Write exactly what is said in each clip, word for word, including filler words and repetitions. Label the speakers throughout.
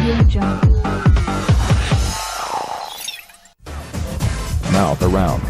Speaker 1: Audio Jungle.
Speaker 2: Mouth around.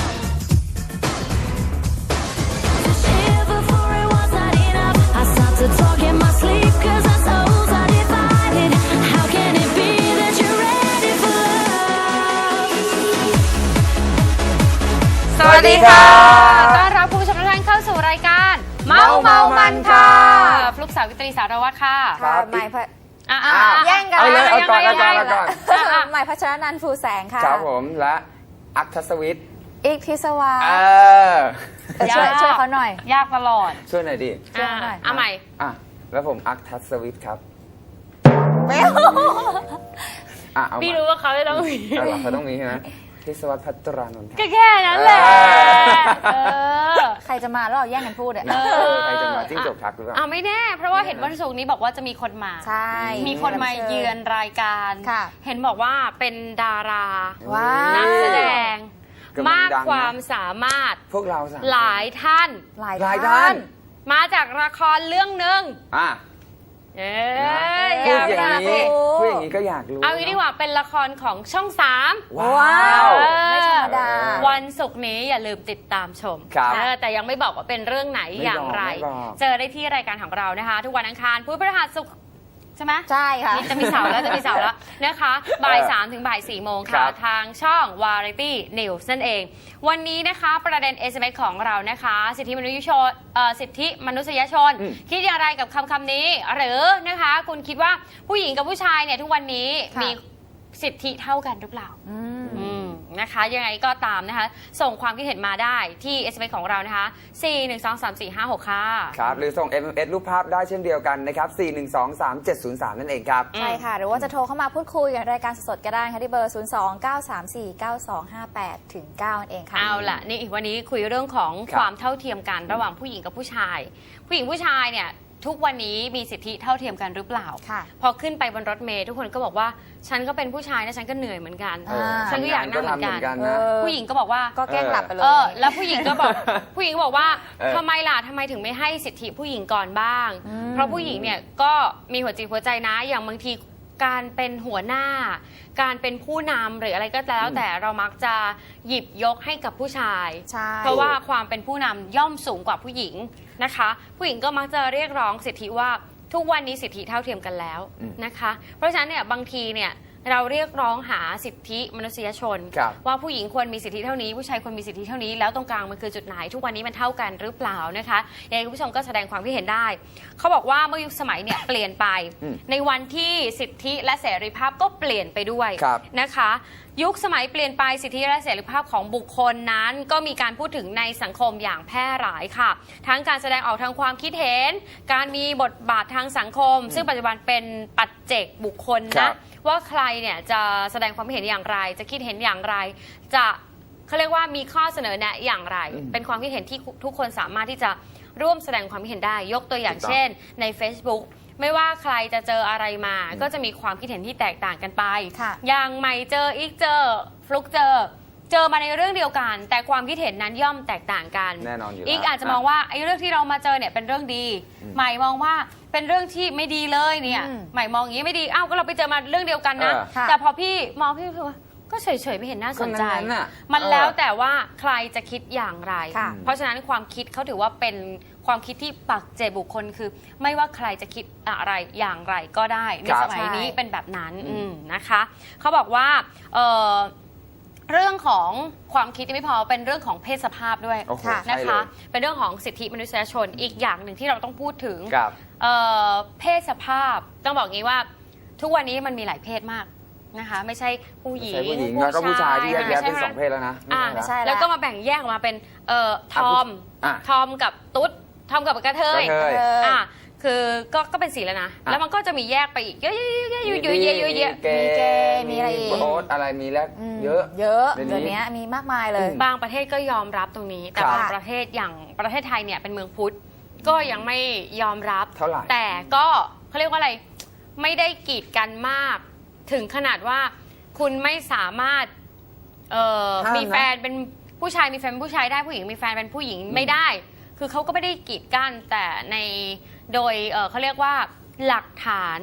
Speaker 3: สวัสดีค่ะต้อนรับคุณผู้ชมทุกท่านเข้าสู่รายการเมาเมามันค่ะฟลุกสาวิตรีสารวัตรค่ะ
Speaker 4: ค่ะใหม่พัช
Speaker 3: อ่า
Speaker 4: แย่งกัน
Speaker 5: เอาเลยเอาก่อนเอาก่อน
Speaker 3: ยั
Speaker 5: เอา
Speaker 3: งไง
Speaker 5: ก่อน
Speaker 4: ใหม่พัชรนันท์ฟูแสงค่ะ
Speaker 5: ครับผมและอัคทศวิทย์
Speaker 4: อีกพิศวา
Speaker 5: เออ
Speaker 4: เออช่วยช่วยเขาหน่อย
Speaker 3: ยากตลอด
Speaker 5: ช่วยหน่อยดิ
Speaker 4: ช่วยหน่อย
Speaker 3: อ่าใหม่
Speaker 5: อ่ะแล้วผมอัคทศวิทย์ครับ
Speaker 4: เมล
Speaker 5: อ่ะเอา
Speaker 3: พี่
Speaker 5: มา
Speaker 3: รู้ว่าเขาจะต้องมี
Speaker 5: เอาเหรอเขาต้องมีใช่ไหมพิศวัตพัตรานนท์ครับ
Speaker 3: ก็แค่นั้นแหละเออ
Speaker 4: ใครจะมาแล้วเราแย่งกันพูดอ่ะ
Speaker 5: เออใครจะมาจิ้งจกทักหรือเปล่า
Speaker 3: อ่าไม่แน่เพราะว่าเห็นวันศุกร์นี้บอกว่าจะมีคนมา
Speaker 4: ใช่
Speaker 3: มีคนมาเยือนรายการ
Speaker 4: ค่ะ
Speaker 3: เห็นบอกว่าเป็นดารา
Speaker 4: ว้าว
Speaker 3: นักแสดง
Speaker 5: กำลัง
Speaker 3: มาก
Speaker 5: ดังนะ
Speaker 3: ความสามารถ
Speaker 5: พวกเราสามคน
Speaker 3: หลายท่าน
Speaker 4: หลาย
Speaker 5: หลาย
Speaker 4: ท่า
Speaker 5: ท่าน น
Speaker 3: มาจากละครเรื่องหนึ่ง
Speaker 5: อ่ะ
Speaker 3: เอ้
Speaker 5: พู
Speaker 3: ย
Speaker 5: ดอย่าง
Speaker 3: นี้
Speaker 5: นี้พูดอย่างนี้ก็อยากรู้
Speaker 3: เอางี้ดีกว่าเป็นละครของช่องสาม
Speaker 5: ว้า
Speaker 4: ว้าว
Speaker 5: ว
Speaker 4: ไม่ธรรมดา
Speaker 3: วันศุกร์นี้อย่าลืมติดตามชม
Speaker 5: ครับ
Speaker 3: เออแต่ยังไม่บอกว่าเป็นเรื่องไหน
Speaker 5: ไม่บอก
Speaker 3: อย่างไร
Speaker 5: ไม่บอก
Speaker 3: เจอได้ที่รายการของเรานะคะ ทุกวันอังคารพุธพฤหัสศุกร์ใช่ไหม
Speaker 4: ใช่ค่ะ
Speaker 3: นี่จะมีเสาร์แล้วจะมีเสาร์แล้วนะคะบ่ายสามถึงบ่ายสี่โมง
Speaker 5: ครั
Speaker 3: ค่ะ
Speaker 5: บ
Speaker 3: ทางช่อง Variety News นั่นเอง วันนี้นะคะประเด็น เอส เอ็ม เอส ของเรานะคะ สิทธิมนุษยชนเอ่อสิทธิมนุษยชน
Speaker 5: อืม
Speaker 3: คิดอย่างไรกับคำคำนี้ หรือนะคะคุณคิดว่าผู้หญิงกับผู้ชายเนี่ยทุกวันนี้
Speaker 4: ค่ะ
Speaker 3: มีสิทธิเท่ากันหรือเปล่า
Speaker 4: อืม
Speaker 3: อืมนะคะยังไงก็ตามนะคะส่งความคิดเห็นมาได้ที่ เอส เอ็ม เอส ของเรานะคะ สี่ หนึ่ง สอง สาม สี่ ห้า หก ค่ะ
Speaker 5: ครับหรือส่ง เอ็ม เอ็ม เอส รูปภาพได้เช่นเดียวกันนะครับ สี่ หนึ่ง สอง สาม เจ็ด ศูนย์ สาม นั่นเองครับ
Speaker 4: ใช่ค่ะ หรือว่าจะโทรเข้ามาพูดคุยกับรายการสดๆก็ได้ค่ะที่เบอร์ ศูนย์ สอง เก้า สาม สี่ เก้า สอง ห้า แปด ถึง เก้า นั่นเองค่ะ
Speaker 3: เอาล่ะนี่วันนี้คุยเรื่องของ
Speaker 5: ครับ
Speaker 3: ความเท่าเทียมกันระหว่างผู้หญิงกับผู้ชาย ผู้หญิงผู้ชายเนี่ยทุกวันนี้มีสิทธิเท่าเทียมกันหรือเปล่า
Speaker 4: ค่ะ
Speaker 3: พอขึ้นไปบนรถเมล์ทุกคนก็บอกว่าฉันก็เป็นผู้ชายนะฉันก็เหนื่อยเหมือนกัน
Speaker 5: เออ
Speaker 3: ฉันก็อยากนั่งเหมือนกัน
Speaker 5: ทำงาก็ทำเหมือนกัน
Speaker 4: เอ
Speaker 5: นะ
Speaker 4: อ
Speaker 3: ผู้หญิงก็บอกว่า
Speaker 4: ก็แกล้งหลับไปเลย
Speaker 3: เออแล้วผู้หญิงก็บอก ผู้หญิงก็บอกว่า
Speaker 5: เออ
Speaker 3: ทำไมล่ะทำไมถึงไม่ให้สิทธิผู้หญิงก่อนบ้าง
Speaker 4: อืม
Speaker 3: เพราะผู้หญิงเนี่ยก็มีหัวจิตหัวใจนะอย่างบางทีการเป็นหัวหน้า การเป็นผู้นำหรืออะไรก็แล้ว
Speaker 5: อืม
Speaker 3: แต่เรามักจะหยิบยกให้กับผู้ชาย
Speaker 4: ใช่
Speaker 3: เพราะว่าความเป็นผู้นำย่อมสูงกว่าผู้หญิงนะคะ ผู้หญิงก็มักจะเรียกร้องสิทธิว่าทุกวันนี้สิทธิเท่าเทียมกันแล้ว
Speaker 5: อืม
Speaker 3: นะคะ เพราะฉะนั้นเนี่ยบางทีเนี่ยเราเรียกร้องหาสิทธิมนุษยชน
Speaker 5: ครับ
Speaker 3: ว่าผู้หญิงควรมีสิทธิเท่านี้ผู้ชายควรมีสิทธิเท่านี้แล้วตรงกลางมันคือจุดไหนทุกวันนี้มันเท่ากันหรือเปล่านะคะยังไงคุณผู้ชมก็แสดงความคิดเห็นได้เขาบอกว่าเมื่อยุคสมัยเนี่ยเปลี่ยนไป
Speaker 5: อืม
Speaker 3: ในวันที่สิทธิและเสรีภาพก็เปลี่ยนไปด้วย
Speaker 5: ครับ
Speaker 3: นะคะ ยุคสมัยเปลี่ยนไปสิทธิและเสรีภาพของบุคคลนั้น ก็มีการพูดถึงในสังคมอย่างแพร่หลายค่ะ ทั้งการแสดงออกทางความคิดเห็น การมีบทบาททางสังคม ซึ่งปัจจุบันเป็นปัจเจกบุคคล
Speaker 5: ครั
Speaker 3: นะ
Speaker 5: บ
Speaker 3: ว่าใครเนี่ยจะแสดงความเห็นอย่างไร จะคิดเห็นอย่างไร จะเขาเรียกว่ามีข้อเสนอแนะอย่างไร
Speaker 5: อืม
Speaker 3: เป็นความคิดเห็นที่ทุกคนสามารถที่จะร่วมแสดงความคิดเห็นได้ ยกตัวอย่าง
Speaker 5: ถูกต้อง
Speaker 3: เช่น ใน Facebook ไม่ว่าใครจะเจออะไรมา ก็จะมีความคิดเห็นที่แตกต่างกันไป
Speaker 4: ค่ะ
Speaker 3: อย่างใหม่เจออีกเจอฟลุกเจอ เจอมาในเรื่องเดียวกัน แต่ความคิดเห็นนั้นย่อมแตกต่างกัน
Speaker 5: แน่นอนอยู่แล้ว
Speaker 3: อีกอาจจะมองว่าไอ้เรื่องที่เรามาเจอเนี่ยเป็นเรื่องดี
Speaker 5: อืม
Speaker 3: ใหม่มองว่าเป็นเรื่องที่ไม่ดีเลยเนี่ย
Speaker 4: อืม
Speaker 3: ใหม่มองอย่างนี้ไม่ดีอ้าวก็เราไปเจอมาเรื่องเดียวกันนะ
Speaker 5: เออ
Speaker 4: ค่ะ
Speaker 3: แต่พอพี่มองพี่รู้สึกว่าก็เฉยๆไม่เห็นน่าสนใจ
Speaker 5: ก็นั้นๆน่ะ
Speaker 3: มัน
Speaker 5: เออ
Speaker 3: แล้วแต่ว่าใครจะคิดอย่างไร
Speaker 4: ค่ะ
Speaker 3: เพราะฉะนั้นความคิดเขาถือว่าเป็นความคิดที่ปักใจบุคคลคือ ไม่ว่าใครจะคิดอะไรอย่างไรก็ได้ใน
Speaker 5: ครับ
Speaker 3: สมัยนี้
Speaker 4: ใช่
Speaker 3: เป็นแบบนั้น
Speaker 5: อืม
Speaker 3: อืมนะคะเขาบอกว่าเอ่อเรื่องของความคิดยังไม่พอเป็นเรื่องของเพศสภาพด้วย
Speaker 5: โอ้โห
Speaker 4: ค่ะ
Speaker 5: ใช่
Speaker 3: นะ
Speaker 5: เล
Speaker 3: คะ
Speaker 5: ย
Speaker 3: เป็นเรื่องของสิทธิมนุษยชนอีกอย่างหนึ่งที่เราต้องพูดถึง
Speaker 5: ครับ
Speaker 3: เอ่อเพศสภาพต้องบอกงี้ว่าทุกวันนี้มันมีหลายเพศมากนะคะ ไม่ใช่ผู้หญิง
Speaker 5: ใช่ผู้หญิงแล้วก็ผู้ชายที่แยกแยะเป็นสองเพศแล้วนะ
Speaker 3: อ่า
Speaker 5: ไม่
Speaker 4: ใช่
Speaker 5: ใช่
Speaker 3: แล้วก็มาแบ่งแยกออกมาเป็นเอ่อทอม
Speaker 5: อ่ะ
Speaker 3: ทอมกับตุ๊ดทอมกับกระเทย
Speaker 5: กระเทย
Speaker 4: เออ
Speaker 3: อ่ะคือก็ก็เป็นสีแล้วนะ
Speaker 5: อ่ะ
Speaker 3: แล้วมันก็จะมีแยกไปอีกเยอะๆๆๆอยู่ๆเยอะๆเยอะๆเยอะ
Speaker 5: มีเก
Speaker 4: มีเกย์
Speaker 5: ย์
Speaker 4: มีอะไรอีก
Speaker 5: โบ๊ทอะไรมีแล้ว
Speaker 4: ม
Speaker 5: เยอะ
Speaker 4: เยอะ
Speaker 5: เดี๋ยวนี้
Speaker 4: เดี๋ยวนี้มีมากมายเลย
Speaker 3: ๆบางประเทศก็ยอมรับตรงนี้ แต่
Speaker 5: ครับ
Speaker 3: บางประเทศอย่างประเทศไทยเนี่ยเป็นเมืองพุทธก็ยังไม่ยอมรับ
Speaker 5: เท่าไหร่
Speaker 3: แต่ก็เขาเรียกว่าอะไรไม่ได้กีดกันมาก ถึงขนาดว่าคุณไม่สามารถเอ่อ
Speaker 5: ห้ามนะ
Speaker 3: มีแฟนเป็นผู้ชายมีแฟนเป็นผู้ชายได้ผู้หญิงมีแฟนเป็นผู้หญิงไม่ได้ คือเขาก็ไม่ได้กีดกั้นแต่ในโดยเอ่อเขาเรียกว่าหลักฐาน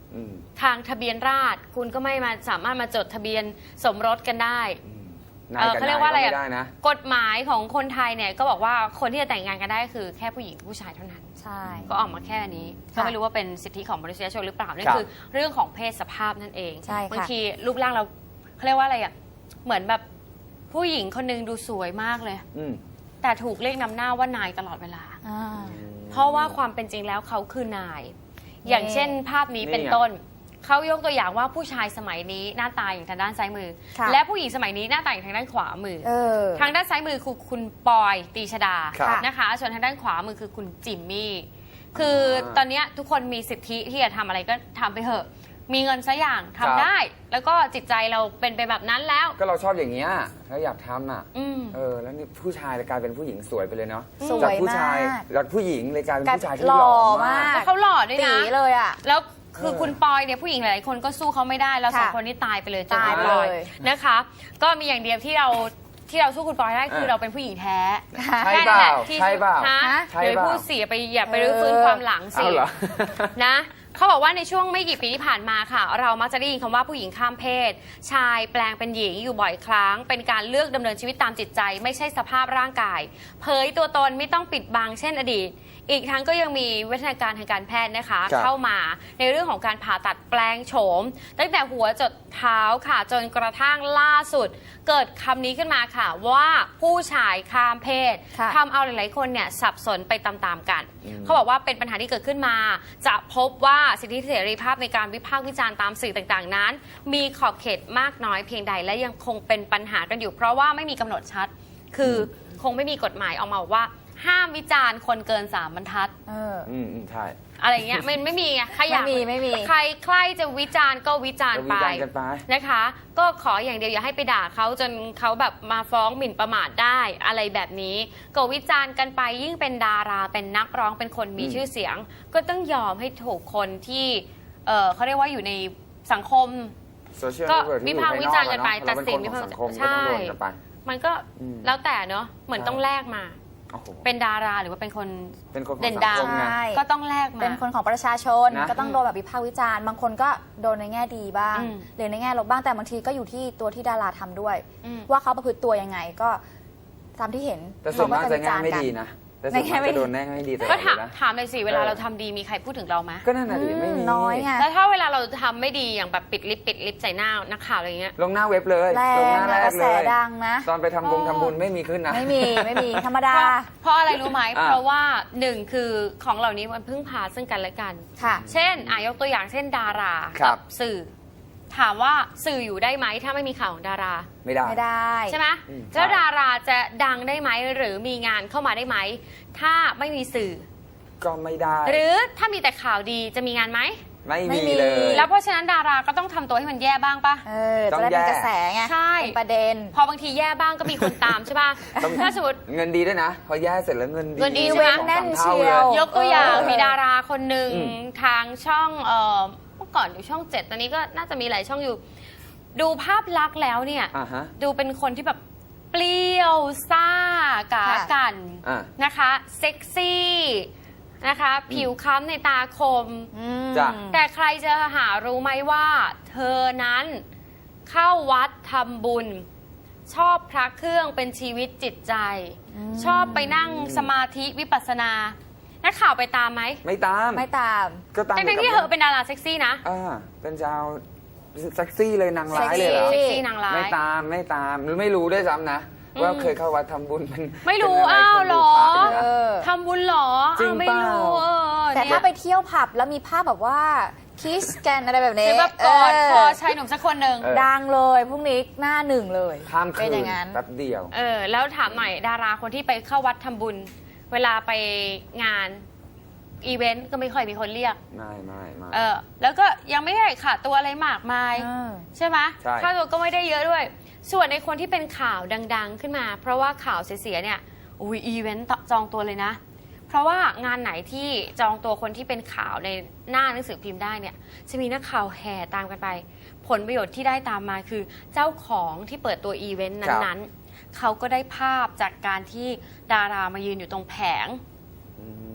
Speaker 5: อืม
Speaker 3: ทางทะเบียนราษฎร์คุณก็ไม่มาสามารถมาจดทะเบียนสมรสกันได้
Speaker 5: อืมนา
Speaker 3: เอย อ
Speaker 5: กับ
Speaker 3: เขาเรี
Speaker 5: นาย
Speaker 3: กว่าอะไร
Speaker 5: ก็
Speaker 3: อะ
Speaker 5: ไม่ได้นะ
Speaker 3: กฎหมายของคนไทยเนี่ยก็บอกว่าคนที่จะแต่งงานกันได้คือแค่ผู้หญิงกับผู้ชายเท่านั้น
Speaker 4: ใช่
Speaker 3: ก็ออกมาแค่นี้ก็
Speaker 4: ค่ะ
Speaker 3: ไม่รู้ว่าเป็นสิทธิของมนุษยชนหรือเปล่านั่น
Speaker 5: ครับ
Speaker 3: คือเรื่องของเพศสภาพนั่นเอง
Speaker 4: ใช่ค่ะ
Speaker 3: บางทีรูปร่างเราเขาเรียกว่าอะไรอ่ะเหมือนแบบผู้หญิงคนหนึงดูสวยมากเลย
Speaker 5: อืม
Speaker 3: แต่ถูกเรียกนำหน้าว่านายตลอดเวลา
Speaker 4: อ่า
Speaker 3: เพราะว่าความเป็นจริงแล้วเขาคือนาย
Speaker 4: นี่
Speaker 3: อย่างเช่นภาพนี้เป็น
Speaker 5: นี่ไง
Speaker 3: ต้น เขายกตัวอย่างว่าผู้ชายสมัยนี้หน้าตาอย่างทางด้านซ้ายมือ
Speaker 4: ค่ะ
Speaker 3: และผู้หญิงสมัยนี้หน้าตาอย่างทางด้านขวามือ
Speaker 4: เออ
Speaker 3: ทางด้านซ้ายมือคือคุณปอยตีชดา
Speaker 5: ครับ
Speaker 3: นะคะ ส่วนทางด้านขวามือคือคุณจิมมี่ คือตอนเนี้ยทุกคนมีสิทธิที่จะทำอะไรก็ทำไปเถอะ มีเงินซะอย่างทำได้ แล้วก็จิตใจเราเป็นไปแบบนั้นแล้ว
Speaker 5: ก็เราชอบอย่างเงี้ยแล้วอยากทำอ่ะ
Speaker 3: อืม
Speaker 5: เออ แล้วนี่ผู้ชายเลยกลายเป็นผู้หญิงสวยไปเลยเนาะ
Speaker 4: สวย
Speaker 5: จากผู้ชาย
Speaker 4: มาก
Speaker 5: จากผู้หญิงเลยกลายเป็นผู้ชายที่
Speaker 4: หล่อ
Speaker 5: หล่อมาม
Speaker 4: าก ก
Speaker 3: แล้วเขาหล่อด้วย
Speaker 4: ตี
Speaker 3: นะ
Speaker 4: เลยอ่ะ
Speaker 3: แล้วคือ
Speaker 5: เออ
Speaker 3: คุณปอยเนี่ยผู้หญิงหลายๆคนก็สู้เขาไม่ได้แล้วสอง
Speaker 4: ค่ะ
Speaker 3: คนนี้ตายไปเลยเจอ
Speaker 4: ตาย
Speaker 3: คุณ
Speaker 4: ไป
Speaker 3: ปอย
Speaker 4: เลย
Speaker 3: นะคะ ก็มีอย่างเดียวที่เราที่เราสู้คุณปอยได้คือเราเป็นผู้หญิงแท้
Speaker 5: ใช่
Speaker 3: แค่
Speaker 5: เป
Speaker 3: นั้นแห
Speaker 5: ล่า
Speaker 3: ละที่
Speaker 5: ใช่เปล่า
Speaker 3: ฮะ
Speaker 5: ใช่
Speaker 3: เดี๋ยว
Speaker 5: เปล่า
Speaker 3: พูดเสียไปอย่าไปรื้อฟื้นความหลังสิ
Speaker 5: เอาเหรอ
Speaker 3: นะเขาบอกว่าในช่วงไม่กี่ปีที่ผ่านมาค่ะ เรามักจะได้ยินคำว่าผู้หญิงข้ามเพศ ชายแปลงเป็นหญิงอยู่บ่อยครั้ง เป็นการเลือกดำเนินชีวิตตามจิตใจ ไม่ใช่สภาพร่างกาย เผยตัวตนไม่ต้องปิดบังเช่นอดีต อีกทั้งก็ยังมีวิทยาการทางการแพทย์นะคะ
Speaker 5: ครับ
Speaker 3: เข้ามาในเรื่องของการผ่าตัดแปลงโฉม ตั้งแต่หัวจดเท้าค่ะจนกระทั่งล่าสุด เกิดคำนี้ขึ้นมาค่ะว่าผู้ชายข้ามเพศ
Speaker 4: ค่ะ
Speaker 3: ทำเอาหลายๆคนเนี่ยสับสนไปตามๆกัน
Speaker 5: อืม
Speaker 3: เขาบอกว่าเป็นปัญหาที่เกิดขึ้นมา จะพบว่าสิทธิเสรีภาพในการวิพากษ์วิจารณ์ตามสื่อต่างๆนั้น มีขอบเขตมากน้อยเพียงใดและยังคงเป็นปัญหากันอยู่ เพราะว่าไม่มีกำหนดชัด คือคงไม่มีกฎหมายออกมาบอกว่า ห้ามวิจารณ์คนเกินสามบรรทัด
Speaker 4: เออ
Speaker 5: อืมอืมใช่
Speaker 3: อะไรเงี้ยมันไม่มีไงใครอยาก
Speaker 4: ไม่มีไม่มี
Speaker 3: ใครใครจะวิจารณ์ก็วิจารณ์
Speaker 5: จะ
Speaker 3: ไป
Speaker 5: วิจารณ์กันไป
Speaker 3: นะคะ ก็ขออย่างเดียวอย่าให้ไปด่าเขาจนเขาแบบมาฟ้องหมิ่นประมาทได้อะไรแบบนี้ ก็วิจารณ์กันไปยิ่งเป็นดาราเป็นนักร้องเป็นคนมี
Speaker 5: อืม
Speaker 3: ชื่อเสียง ก็ต้องยอมให้ถูกคนที่เออเขาเรียกว่าอยู่ในสังคม
Speaker 5: โซเชียล
Speaker 3: ก็
Speaker 5: เน็ตเวิร์กที่
Speaker 3: วิพากษ์วิจารณ์กันไป
Speaker 5: อยู่ภายนอกอะเนาะ
Speaker 3: ตัดสิน
Speaker 5: เราเป็นคนของสังคม
Speaker 3: ใช่
Speaker 5: ก็ต้องโดนกันไป
Speaker 3: มันก็
Speaker 5: อืม
Speaker 3: แล้วแต่เนาะเหมือน
Speaker 5: ใช่
Speaker 3: ต้องแลกมา
Speaker 5: โอ้โห
Speaker 3: เป็นดาราหรือว่าเป็นคน
Speaker 5: เป็นคนของ
Speaker 3: เด่น
Speaker 5: สัง
Speaker 3: ดัง
Speaker 5: คมไง
Speaker 4: ใช่
Speaker 3: ก็ต้องแลกมา
Speaker 4: เป็นคนของประชาชน
Speaker 5: นะ
Speaker 4: ก็ต้องโดนแบบวิพากษ์วิจารณ์บางคนก็โดนในแง่ดีบ้าง
Speaker 3: อืม
Speaker 4: หรือในแง่ลบบ้างแต่บางทีก็อยู่ที่ตัวที่ดาราทำด้วย
Speaker 3: อืม
Speaker 4: ว่าเขาประพฤติตัวยังไงก็ตามที่เห็น
Speaker 5: แต่ส่วนมาก
Speaker 4: เข
Speaker 5: จะแง่ไม่
Speaker 4: กั
Speaker 5: ดีนะ แต่ส่วน
Speaker 4: ในแง่
Speaker 5: มาก
Speaker 4: ไม่
Speaker 5: จะ
Speaker 4: ดี
Speaker 5: โดนแง่ไม่ดีตลอ
Speaker 3: ก็
Speaker 5: ดเล
Speaker 3: ถาม
Speaker 5: ยนะ
Speaker 3: ถามเลยสิเวลา
Speaker 5: เออ
Speaker 3: เราทำดีมีใครพูดถึงเราไหม
Speaker 5: ก็นั่นน่ะดิไม่มี
Speaker 4: น้อยไง
Speaker 3: แล้วถ้าเวลาเราทำไม่ดีอย่างแบบปิดลิปปิดลิปใส่หน้านักข่าวอะไรเงี้ย
Speaker 5: ลงหน้าเว็บเลย
Speaker 4: แร
Speaker 5: ลง
Speaker 4: ง
Speaker 5: หน้าแร
Speaker 4: อะก
Speaker 5: ก
Speaker 4: ระ
Speaker 5: เล
Speaker 4: แส
Speaker 5: ย
Speaker 4: ดังนะ
Speaker 5: ตอนไปทำบุญทำบุญไม่มีขึ้นนะ
Speaker 4: ไม่มีไม่มีธรรม
Speaker 3: เพ
Speaker 4: ดา
Speaker 3: ราะเพราะอะไรรู้ไหม
Speaker 5: อ่ะ
Speaker 3: เพราะว่าหนึ่งคือของเหล่านี้มันพึ่งพาซึ่งกันและกัน
Speaker 4: ค่ะ
Speaker 3: เช่นอายกตัวอย่างเช่นดารา
Speaker 5: ครับ
Speaker 3: กัสื่อ ถามว่าสื่ออยู่ได้ไหมถ้าไม่มีข่าวของดารา
Speaker 5: ไม่ได้
Speaker 4: ไม่ได้
Speaker 3: ใช่ไหม
Speaker 5: อืม
Speaker 3: แล้ว
Speaker 5: ใช่
Speaker 3: ดาราจะดังได้ไหมหรือมีงานเข้ามาได้ไหมถ้าไม่มีสื่อ
Speaker 5: ก็ไม่ได้
Speaker 3: หรือถ้ามีแต่ข่าวดีจะมีงานไหม
Speaker 5: ไม่
Speaker 4: ไม่
Speaker 5: มี
Speaker 4: มี
Speaker 5: เลย
Speaker 3: แล้วเพราะฉะนั้นดาราก็ต้องทำตัวให้มันแย่บ้างปะ
Speaker 4: เออ
Speaker 5: ต้อ
Speaker 4: จะ
Speaker 5: ง
Speaker 4: ได้เป็น
Speaker 5: แย่
Speaker 4: กระแสไง
Speaker 3: ใช่
Speaker 4: เป็นประเด็น
Speaker 3: พอบางทีแย่บ้างก็มีคนตามใช่ป่ะ
Speaker 5: ต้อง
Speaker 3: ถ้าสมมติ
Speaker 5: เงินดีด้วยนะ พอแย่เสร็จแล้วเงินดี
Speaker 3: เงินดี
Speaker 5: ส
Speaker 3: ใช่ไหม
Speaker 5: อง
Speaker 4: แน่น
Speaker 5: สาม
Speaker 4: เชี
Speaker 5: ท่
Speaker 4: ยว
Speaker 5: ล
Speaker 3: ยกตัวอย่าง
Speaker 4: เออ
Speaker 3: มีดาราคนหนึ่ง
Speaker 5: อืม
Speaker 3: ทางช่องเอ่อเมื่อก่อนอยู่ช่องเจ็ดตอนนี้ก็น่าจะมีหลายช่องอยู่ ดูภาพลักษณ์แล้วเนี่ย
Speaker 5: อ่าฮะ
Speaker 3: ดูเป็นคนที่แบบเปรี้ยวซ่ากา
Speaker 4: ค่ะ
Speaker 3: กัน
Speaker 5: อ่า
Speaker 3: นะคะ เซ็กซี่นะคะ ผิวค้ำในตาคม
Speaker 4: อืม
Speaker 5: จ้ะ
Speaker 3: แต่ใครจะหารู้ไหมว่า เธอนั้นเข้าวัดทำบุญ ชอบพระเครื่องเป็นชีวิตจิตใจ
Speaker 4: อืม
Speaker 3: ชอบไปนั่งสมาธิวิปัสสนา นักข่าวไปตามไหม
Speaker 5: ไม่ตาม
Speaker 4: ไม่ตาม
Speaker 5: ก็ตาม
Speaker 3: ทั้งๆที่เธอเป็นดาราเซ็กซี่นะ
Speaker 5: อ่าเป็นชาวเซ็กซี่เลยนางร้ายเลยเหรอ
Speaker 3: เซ็กซี่นางร้าย
Speaker 5: ไม่ตามไม่ตามหรือไม่รู้ด้วยซ้ำนะ
Speaker 3: อืม
Speaker 5: ว่าเคยเข้าวัดทำบุญเป็น
Speaker 3: ไม่รู้
Speaker 5: เป็นะ
Speaker 3: อ้าว
Speaker 5: คน
Speaker 3: เหร
Speaker 5: ดู
Speaker 3: อ
Speaker 5: พระอยู่นะ
Speaker 4: เออ
Speaker 3: ทำบุญเหรอ
Speaker 5: จริง
Speaker 3: อ้าวไม่
Speaker 5: เปล่า
Speaker 3: รู้เออ
Speaker 4: แต่
Speaker 3: เนี่ย
Speaker 4: ถ้าไปเที่ยวผับแล้วมีภาพแบบว่าคิสกันอะไรแบบ
Speaker 3: ห
Speaker 4: นี้
Speaker 3: รือแบบกอด
Speaker 4: เ
Speaker 3: คอชายหนุ่มสักคนหนึ่ง
Speaker 5: เออ
Speaker 4: ดังเลยพรุ่งนี้หน้าหนึ่งเลย
Speaker 5: ข้ามคื
Speaker 4: เป็น
Speaker 5: น
Speaker 4: อย่างนั้น
Speaker 5: แป๊บเดียว
Speaker 3: เออแล้วถามหน่อยดาราคนที่ไปเข้าวัดทำบุญ เวลาไปงานอีเวนต์ก็ไม่ค่อยมีคนเรียก
Speaker 5: ไม่ไม่ไม่
Speaker 3: เออแล้วก็ยังไม่ได้ขาดตัวอะไรมากมาย
Speaker 4: อ่า
Speaker 3: ใช่ไหม
Speaker 5: ใช่
Speaker 3: ค่าตัวก็ไม่ได้เยอะด้วย ส่วนในคนที่เป็นข่าวดัง ๆ ขึ้นมา เพราะว่าข่าวเสียๆเนี่ยอุ้ยอีเวนต์จองตัวเลยนะ เพราะว่างานไหนที่จองตัวคนที่เป็นข่าวในหน้าหนังสือพิมพ์ได้เนี่ยจะมีนักข่าวแห่ตามกันไป ผลประโยชน์ที่ได้ตามมาคือเจ้าของที่เปิดตัวอีเวนต์นั้นๆเขาก็ได้ภาพจากการที่ดารามายืนอยู่ตรงแผง
Speaker 5: อืม
Speaker 4: อืม
Speaker 5: เ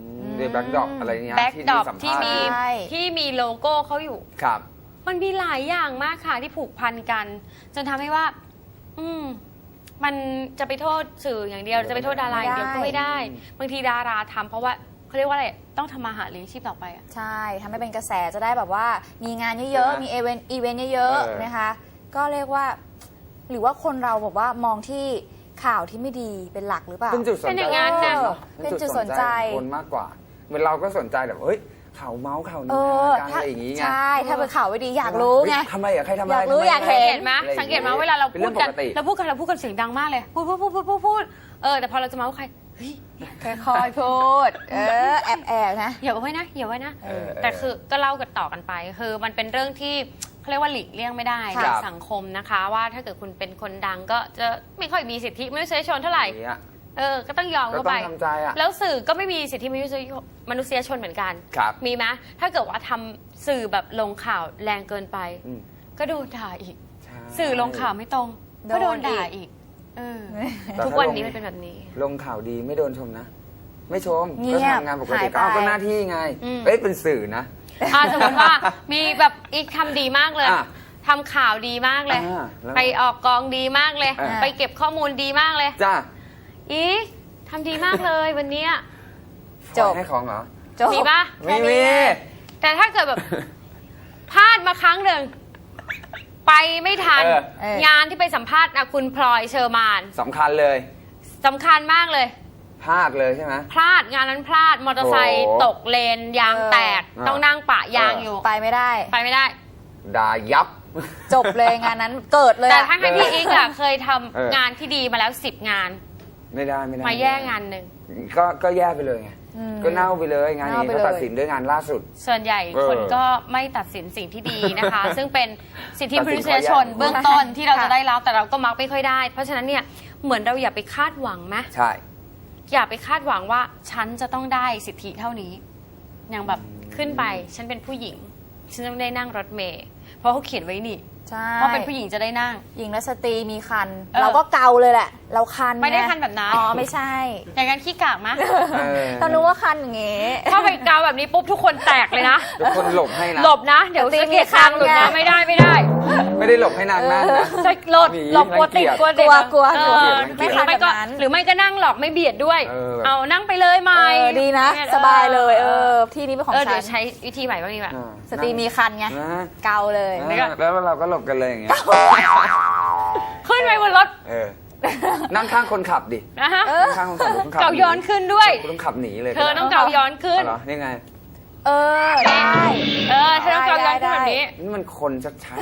Speaker 5: ในแบ็กดรอปอะไรเงี้ย
Speaker 3: แบ็กดรอป
Speaker 5: สัม
Speaker 3: ที่
Speaker 5: ภาษณ์
Speaker 3: มี
Speaker 4: ใช่
Speaker 3: ที่มีโลโก้เขาอยู่
Speaker 5: ครับ
Speaker 3: มันมีหลายอย่างมากค่ะที่ผูกพันกัน จนทำให้ว่า อืม มันจะไปโทษสื่ออย่างเดียว จะไปโทษดาราอย่างเดียวก็ไม่ได้ บางทีดาราทำเพราะว่าเขาเรียกว่าอะไรต้องทำมาหาเลี้ยงชีพต่อไปอะ
Speaker 4: ใช่ทำให้เป็นกระแสจะได้แบบว่ามีงานเยอะๆ มีอีเวนต์อีเวนต์เยอะ
Speaker 5: เออ
Speaker 4: ๆนะคะ ก็เรียกว่า หรือว่าคนเราแบบว่ามองที่ข่าวที่ไม่ดีเป็นหลักหรือเปล่า
Speaker 5: เป็นจุดสน
Speaker 3: เป็นอ
Speaker 5: ใจ
Speaker 3: ย่างนั้นน่ะ
Speaker 5: เอะ
Speaker 4: เป็นจุดสนใจ
Speaker 5: ของคนมากกว่า เหมือนเราก็สนใจแบบเฮ้ยข่าวเมาส์ข่าว
Speaker 4: เอ
Speaker 5: นี้
Speaker 4: อ
Speaker 5: กัน
Speaker 4: ถ้า
Speaker 5: อะไรอย่างงี้ไง
Speaker 4: ใช่ ถ้าเป็นข่าวไม่ดีอยากรู้ไง
Speaker 5: เฮ้ยทำไมอะใครทำอะไร
Speaker 4: อยากรู้
Speaker 5: ทำไม
Speaker 4: อยาก
Speaker 3: สั
Speaker 4: เห็
Speaker 3: ง
Speaker 4: น
Speaker 3: เกตไหม
Speaker 5: อะไรอย่างเงี้ย
Speaker 3: สังเกตไหมเวลาเรา
Speaker 5: เป็น
Speaker 3: พู
Speaker 5: เรื่
Speaker 3: ด
Speaker 5: อง
Speaker 3: กัน
Speaker 5: ปกติ
Speaker 3: เราพูดกันเราพูดกันเสียงดังมากเลย พูดพูดพูดพูดพูดพูดเออแต่พอเราจะเมาส์ใครเฮ้ย
Speaker 4: ค่อยๆพูด เออ แอบแอบๆนะ
Speaker 3: อย่าไว้นะอย่าไว้นะ
Speaker 5: เออ
Speaker 3: แต่คือก็เล่ากันต่อกันไป คือมันเป็นเรื่องที่เขาเรียกว่าหลีกเลี่ยงไม่ได้
Speaker 5: ครั
Speaker 3: ใน
Speaker 5: บ
Speaker 3: สังคมนะคะ ว่าถ้าเกิดคุณเป็นคนดังก็จะไม่ค่อยมีสิทธิมนุษยชนเท่าไหร่
Speaker 5: อย่างเงี้ย
Speaker 3: เออก็ต้องยอม
Speaker 5: ก็
Speaker 3: เข้า
Speaker 5: ต้
Speaker 3: ไป
Speaker 5: องทำใจอะ
Speaker 3: แล้วสื่อก็ไม่มีสิทธิมนุษยมนุษยชนเหมือนกัน
Speaker 5: ครับ
Speaker 3: มีไหมถ้าเกิดว่าทำสื่อแบบลงข่าวแรงเกินไป
Speaker 5: อืม
Speaker 3: ก็โดนด่าอีก
Speaker 5: ใช่
Speaker 3: สื่อลงข่าวไม่ตรง
Speaker 4: โดน
Speaker 3: ก็โดนด่า
Speaker 4: อีก
Speaker 3: อีกเออ
Speaker 5: แต่
Speaker 3: ทุก
Speaker 5: ถ้า
Speaker 3: วัน
Speaker 5: ลง
Speaker 3: นี้มันเป็นแบบนี้
Speaker 5: ลงข่าวดีไม่โดนชมนะ ไม่ชม
Speaker 4: เงี
Speaker 5: ก็
Speaker 4: ยบ
Speaker 5: ทำงานปก
Speaker 4: หา
Speaker 5: ติ
Speaker 4: ยไป
Speaker 5: ก็เอาก็หน้าที่ไง
Speaker 3: อืม
Speaker 5: เอ้ยเป็นสื่อนะ
Speaker 3: อ่าสมมติว่ามีแบบอีกทำดีมากเลย
Speaker 5: อ่ะ
Speaker 3: ทำข่าวดีมากเลย
Speaker 5: อ่าแล้ว
Speaker 3: ไปออกกองดีมากเลย
Speaker 5: อ่า
Speaker 3: ไปเก็บข้อมูลดีมากเลย
Speaker 5: จ้า
Speaker 3: อีกทำดีมากเลยวันเนี้ย
Speaker 4: จบ
Speaker 5: ให้ของเหรอ
Speaker 4: จบ
Speaker 3: มีปะ
Speaker 5: ไม่
Speaker 4: แค่
Speaker 5: มี
Speaker 4: นี้
Speaker 3: แต่ถ้าเกิดแบบ พลาดมาครั้งหนึ่งไปไม่ทัน
Speaker 5: เออ
Speaker 4: เออ
Speaker 3: งานที่ไปสัมภาษณ์อะคุณพลอยเชอร์มาน
Speaker 5: สำคัญเลย
Speaker 3: สำคัญมากเลย
Speaker 5: พลาดเลยใช่ไหม
Speaker 3: พลาดงานนั้นพลาดมอเตอร์ไซค์
Speaker 5: โอ้
Speaker 3: ตกเลนยางแตก
Speaker 5: เออ
Speaker 3: ต้องนั่งปะยาง
Speaker 5: เออ
Speaker 3: อ
Speaker 5: อ
Speaker 3: ยู่
Speaker 4: ไปไม่ได้
Speaker 3: ไปไม่ได้
Speaker 5: ด่ายับ
Speaker 4: จบเลยงานนั้นเกิดเลย
Speaker 3: แต่
Speaker 4: อะ
Speaker 3: ถ้าให้พี่อีกอะเคยทำ
Speaker 5: เออ
Speaker 3: งานที่ดีมาแล้วสิบงาน
Speaker 5: ไม่ได้ไม่ได้
Speaker 3: มาแย่งานหนึ่ง
Speaker 5: ก็ก็แย่ไปเลยไง
Speaker 4: อืม
Speaker 5: ก็เน่าไปเลยงานนี้
Speaker 4: เน่าไป
Speaker 5: ก็
Speaker 4: เลย
Speaker 5: ตัดสินด้วยงานล่าสุด
Speaker 3: ส่วนใหญ่
Speaker 5: เออ
Speaker 3: คนก็ไม่ตัดสินสิ่งที่ดีนะคะ ซึ่งเป็นสิทธิ
Speaker 5: ตัด
Speaker 3: ม
Speaker 5: สิน
Speaker 3: นุษยชน
Speaker 5: ข้อแย่
Speaker 3: เบื้องต้นที่เรา
Speaker 4: ค่ะ
Speaker 3: จะได้รับแต่เราก็มักไม่ค่อยได้ เพราะฉะนั้นเนี่ยเหมือนเราอย่าไปคาดหวังไหม
Speaker 5: ใช่
Speaker 3: อย่าไปคาดหวังว่าฉันจะต้องได้สิทธิเท่านี้ อย่างแบบขึ้นไปฉันเป็นผู้หญิง ฉันต้องได้นั่งรถเมล์เพราะเขาเขียนไว้นี่
Speaker 4: ใช่
Speaker 3: ว่าเป็นผู้หญิงจะได้นั่ง
Speaker 4: หญิงและสตรีมีคัน
Speaker 3: เออ
Speaker 4: เราก็เกาเลยแหละ เราคัน
Speaker 3: ไม่ได้
Speaker 4: ง
Speaker 3: คันแบบนั้น
Speaker 4: อ๋อ ไม่ใช่
Speaker 3: อย่างนั้นขี้กากมะ
Speaker 5: เออ
Speaker 4: ต้องรู้ว่าคันอย่างงี้
Speaker 3: ถ้าไปเกาแบบนี้ปุ๊บทุกคนแตกเลยนะ
Speaker 5: ทุกคนหลบให้นะ
Speaker 3: หลบนะ เดี๋ยว
Speaker 4: ตี
Speaker 3: สะ
Speaker 4: มี
Speaker 3: เก็ด
Speaker 4: คั
Speaker 3: ทาน งหลุด
Speaker 4: ไง
Speaker 3: นะไม่ได้ไม่ได้
Speaker 5: ไม่ได้หลบให้นางนั่งนะ
Speaker 3: จะหลบ
Speaker 5: หนี
Speaker 3: หลบกลัวติด
Speaker 5: รังเกียจ
Speaker 3: กลัวติด
Speaker 4: กลัวกลัว
Speaker 3: เออ
Speaker 5: ไม่
Speaker 3: ห
Speaker 5: ทั
Speaker 3: รื
Speaker 5: น
Speaker 3: อไม่ก็
Speaker 4: แบบนั้น
Speaker 3: หรือไม่ก็นั่งหลอกไม่เบียดด้วย
Speaker 5: เออแบบ
Speaker 3: เอานั่งไปเลยไหม
Speaker 4: เออดีนะ
Speaker 3: เนี่ย
Speaker 4: สบายเลย เออ ที่นี้เป็นของ
Speaker 3: เออ
Speaker 4: ฉั
Speaker 3: เดี๋ยวน ใช้วิธีใหม่บ้างดีกว่า
Speaker 5: อ่า
Speaker 4: สตรีมีคันไง
Speaker 5: นะ
Speaker 4: เกาเลย
Speaker 3: เดี๋ยวก่อน
Speaker 5: แล้วเราก็หลบกันเลยอย่างเงี้ย
Speaker 3: ขึ้นไปบนรถ
Speaker 5: เออ นั่งข้างคนขับดิ
Speaker 3: นะฮะ
Speaker 5: นั่งข้างคนขับคนขับ
Speaker 3: เกาย้อนขึ้นด้วย
Speaker 5: คุณต้องขับหนีเลย
Speaker 3: เธอต้องเกาย้อนขึ้น
Speaker 5: เอาเหรอนี่ไง
Speaker 4: เออ ได้
Speaker 3: เออเธอต้องเกาย้อนขึ้นแบบนี้
Speaker 5: นี่มันคนชัด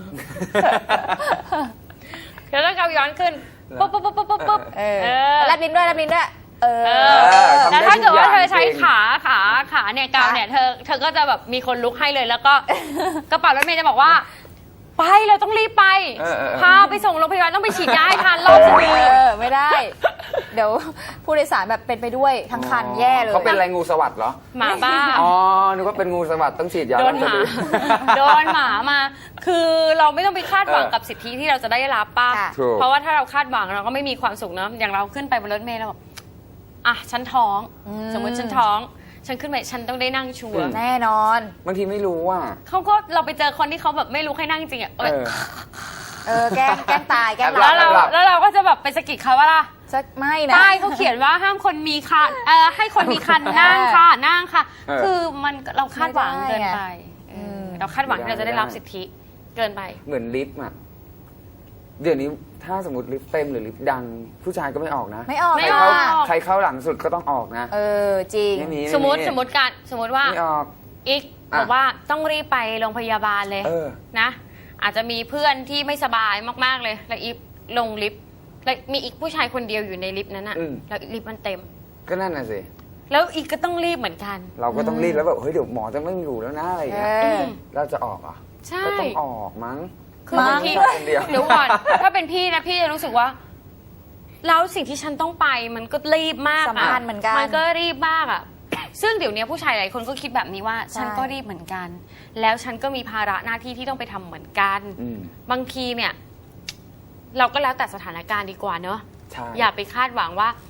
Speaker 3: เธอต้องเกาย้อนขึ้นปุ๊บปุ๊บปุ๊บปุ๊บปุ๊บปุ๊บ
Speaker 4: เออ
Speaker 3: เออ
Speaker 4: แลบลิ้นด้วยแลบลิ้นด้วย เออ
Speaker 3: เอ
Speaker 5: อ
Speaker 3: อ
Speaker 5: ทำได้
Speaker 3: แล้วถ้าเกิดว่า
Speaker 5: ทุกอย่าง
Speaker 3: เธอใช้
Speaker 5: จริง
Speaker 3: ขาขาขาเนี่ยเกาเนี่ยเธอเธอก็จะแบบมีคนลุกให้เลยแล้วก็ กระเป๋ารถเมย์จะบอกว่า ไปเราต้องรีบไป
Speaker 5: เออเออเออ
Speaker 3: พาไปส่งโรงพยาบาลต้องไปฉีดยาให้ทันรอบสะดือ
Speaker 4: เออ ไม่ได้ เดี๋ยวผู้โดยสารแบบเป็นไปด้วยทั้งคันแย่เลย
Speaker 5: เขาเป็นอะไรงูสวัสด์เหรอ
Speaker 3: หมาบ้า
Speaker 5: อ๋อ นึกว่าเป็นงูสวัสด์ต้องฉีดยา
Speaker 3: โดนหมา
Speaker 5: แล้วจะ
Speaker 3: โดนหมามา คือเราไม่ต้องไปคาดหวัง
Speaker 5: เออ
Speaker 3: กับสิทธิที่เราจะได้รับป่ะ
Speaker 4: ค่ะ
Speaker 5: ถูก
Speaker 3: เพราะว่าถ้าเราคาดหวังเราก็ไม่มีความสุขเนอะอย่างเราขึ้นไปบนรถเมล์เราแบบอ่ะฉันท้อง
Speaker 4: อืม
Speaker 3: สมมติฉันท้อง ฉันขึ้นไปฉันต้องได้นั่งชัวร์
Speaker 4: แน่นอน
Speaker 5: บางทีไม่รู้ว่า
Speaker 3: เขาก็เราไปเจอคนที่เขาแบบไม่รู้ให้นั่งจริงอ่ะ
Speaker 5: เออ
Speaker 4: เออ แกล้งแกล้งตาย แกล้งห
Speaker 5: หลั
Speaker 4: ลั
Speaker 3: แล้ว
Speaker 5: บ
Speaker 3: เราแล้วเราก็จะแบบไปสะกิดเขาว่าล่ะ
Speaker 4: สักไม่นะ
Speaker 3: ป้ายเขาเขียนว่าห้ามคนมีคันเออให้คนมีคันนั่งค่ะนั่งค่ะ
Speaker 5: เออ
Speaker 3: คือมันเราคาดหวังเกินไป
Speaker 4: ไม่ได้อะ
Speaker 3: เออเราคาดหวังที่เราจะได้รับสิทธิเกินไป
Speaker 5: เหมือนลิฟต์อ่ะ เดี๋ยวนี้ถ้าสมมติลิฟต์เต็มหรือลิฟต์ดัง ผู้ชายก็ไม่ออกนะ
Speaker 4: ไม่ออก
Speaker 3: ไม่
Speaker 5: ใคร
Speaker 3: อ
Speaker 5: เข้า
Speaker 3: อก
Speaker 5: ใครเข้าหลังสุดก็ต้องออกนะ
Speaker 4: เออ จริง
Speaker 5: ไม่มี
Speaker 3: สมมติ
Speaker 5: ไ
Speaker 3: สมมติการสมมติว่า
Speaker 5: ไม่ออก
Speaker 3: อีก
Speaker 5: อ่ะ
Speaker 3: บอกว่าต้องรีบไปโรงพยาบาลเลย
Speaker 5: เออ
Speaker 3: นะ อาจจะมีเพื่อนที่ไม่สบายมากๆเลย แล้วอีฟลงลิฟต์แล้วมีอีกผู้ชายคนเดียวอยู่ในลิฟต์นั้นอะ
Speaker 5: อืม
Speaker 3: แล้วลิฟต์มันเต็ม
Speaker 5: ก็นั่นน่ะสิ
Speaker 3: แล้วอีกก็ต้องรีบเหมือนกัน
Speaker 5: เราก็ต้องรีบแล้วแบบ เฮ้ย เดี๋ยวหมอจะไม่อยู่แล้วนะอะไรอย่าง
Speaker 4: เอ
Speaker 5: เงี้ย
Speaker 4: อ
Speaker 5: เราจะออกเหรอ่ะ
Speaker 3: ใช่
Speaker 5: ก็ต้องออกมั้ง
Speaker 3: คือบางที
Speaker 5: ไม่ใช่คนเดียว
Speaker 3: เดี๋ยวก่อน ถ้าเป็นพี่นะพี่จะรู้สึกว่าแล้วสิ่งที่ฉันต้องไปมันก็รีบมาก
Speaker 4: สำคัญเหมือนกัน
Speaker 3: มันก็รีบมากอ่ะ ซึ่งเดี๋ยวนี้ผู้ชายหลายคนก็คิดแบบนี้ว่า
Speaker 4: ใช่
Speaker 3: ฉันก็รีบเหมือนกัน แล้วฉันก็มีภาระหน้าที่ที่ต้องไปทำเหมือนกัน
Speaker 5: อืม
Speaker 3: บางทีเนี่ย เราก็แล้วแต่สถานการณ์ดีกว่าเนอะ
Speaker 5: ใช่
Speaker 3: อย่าไปคาดหวังว่า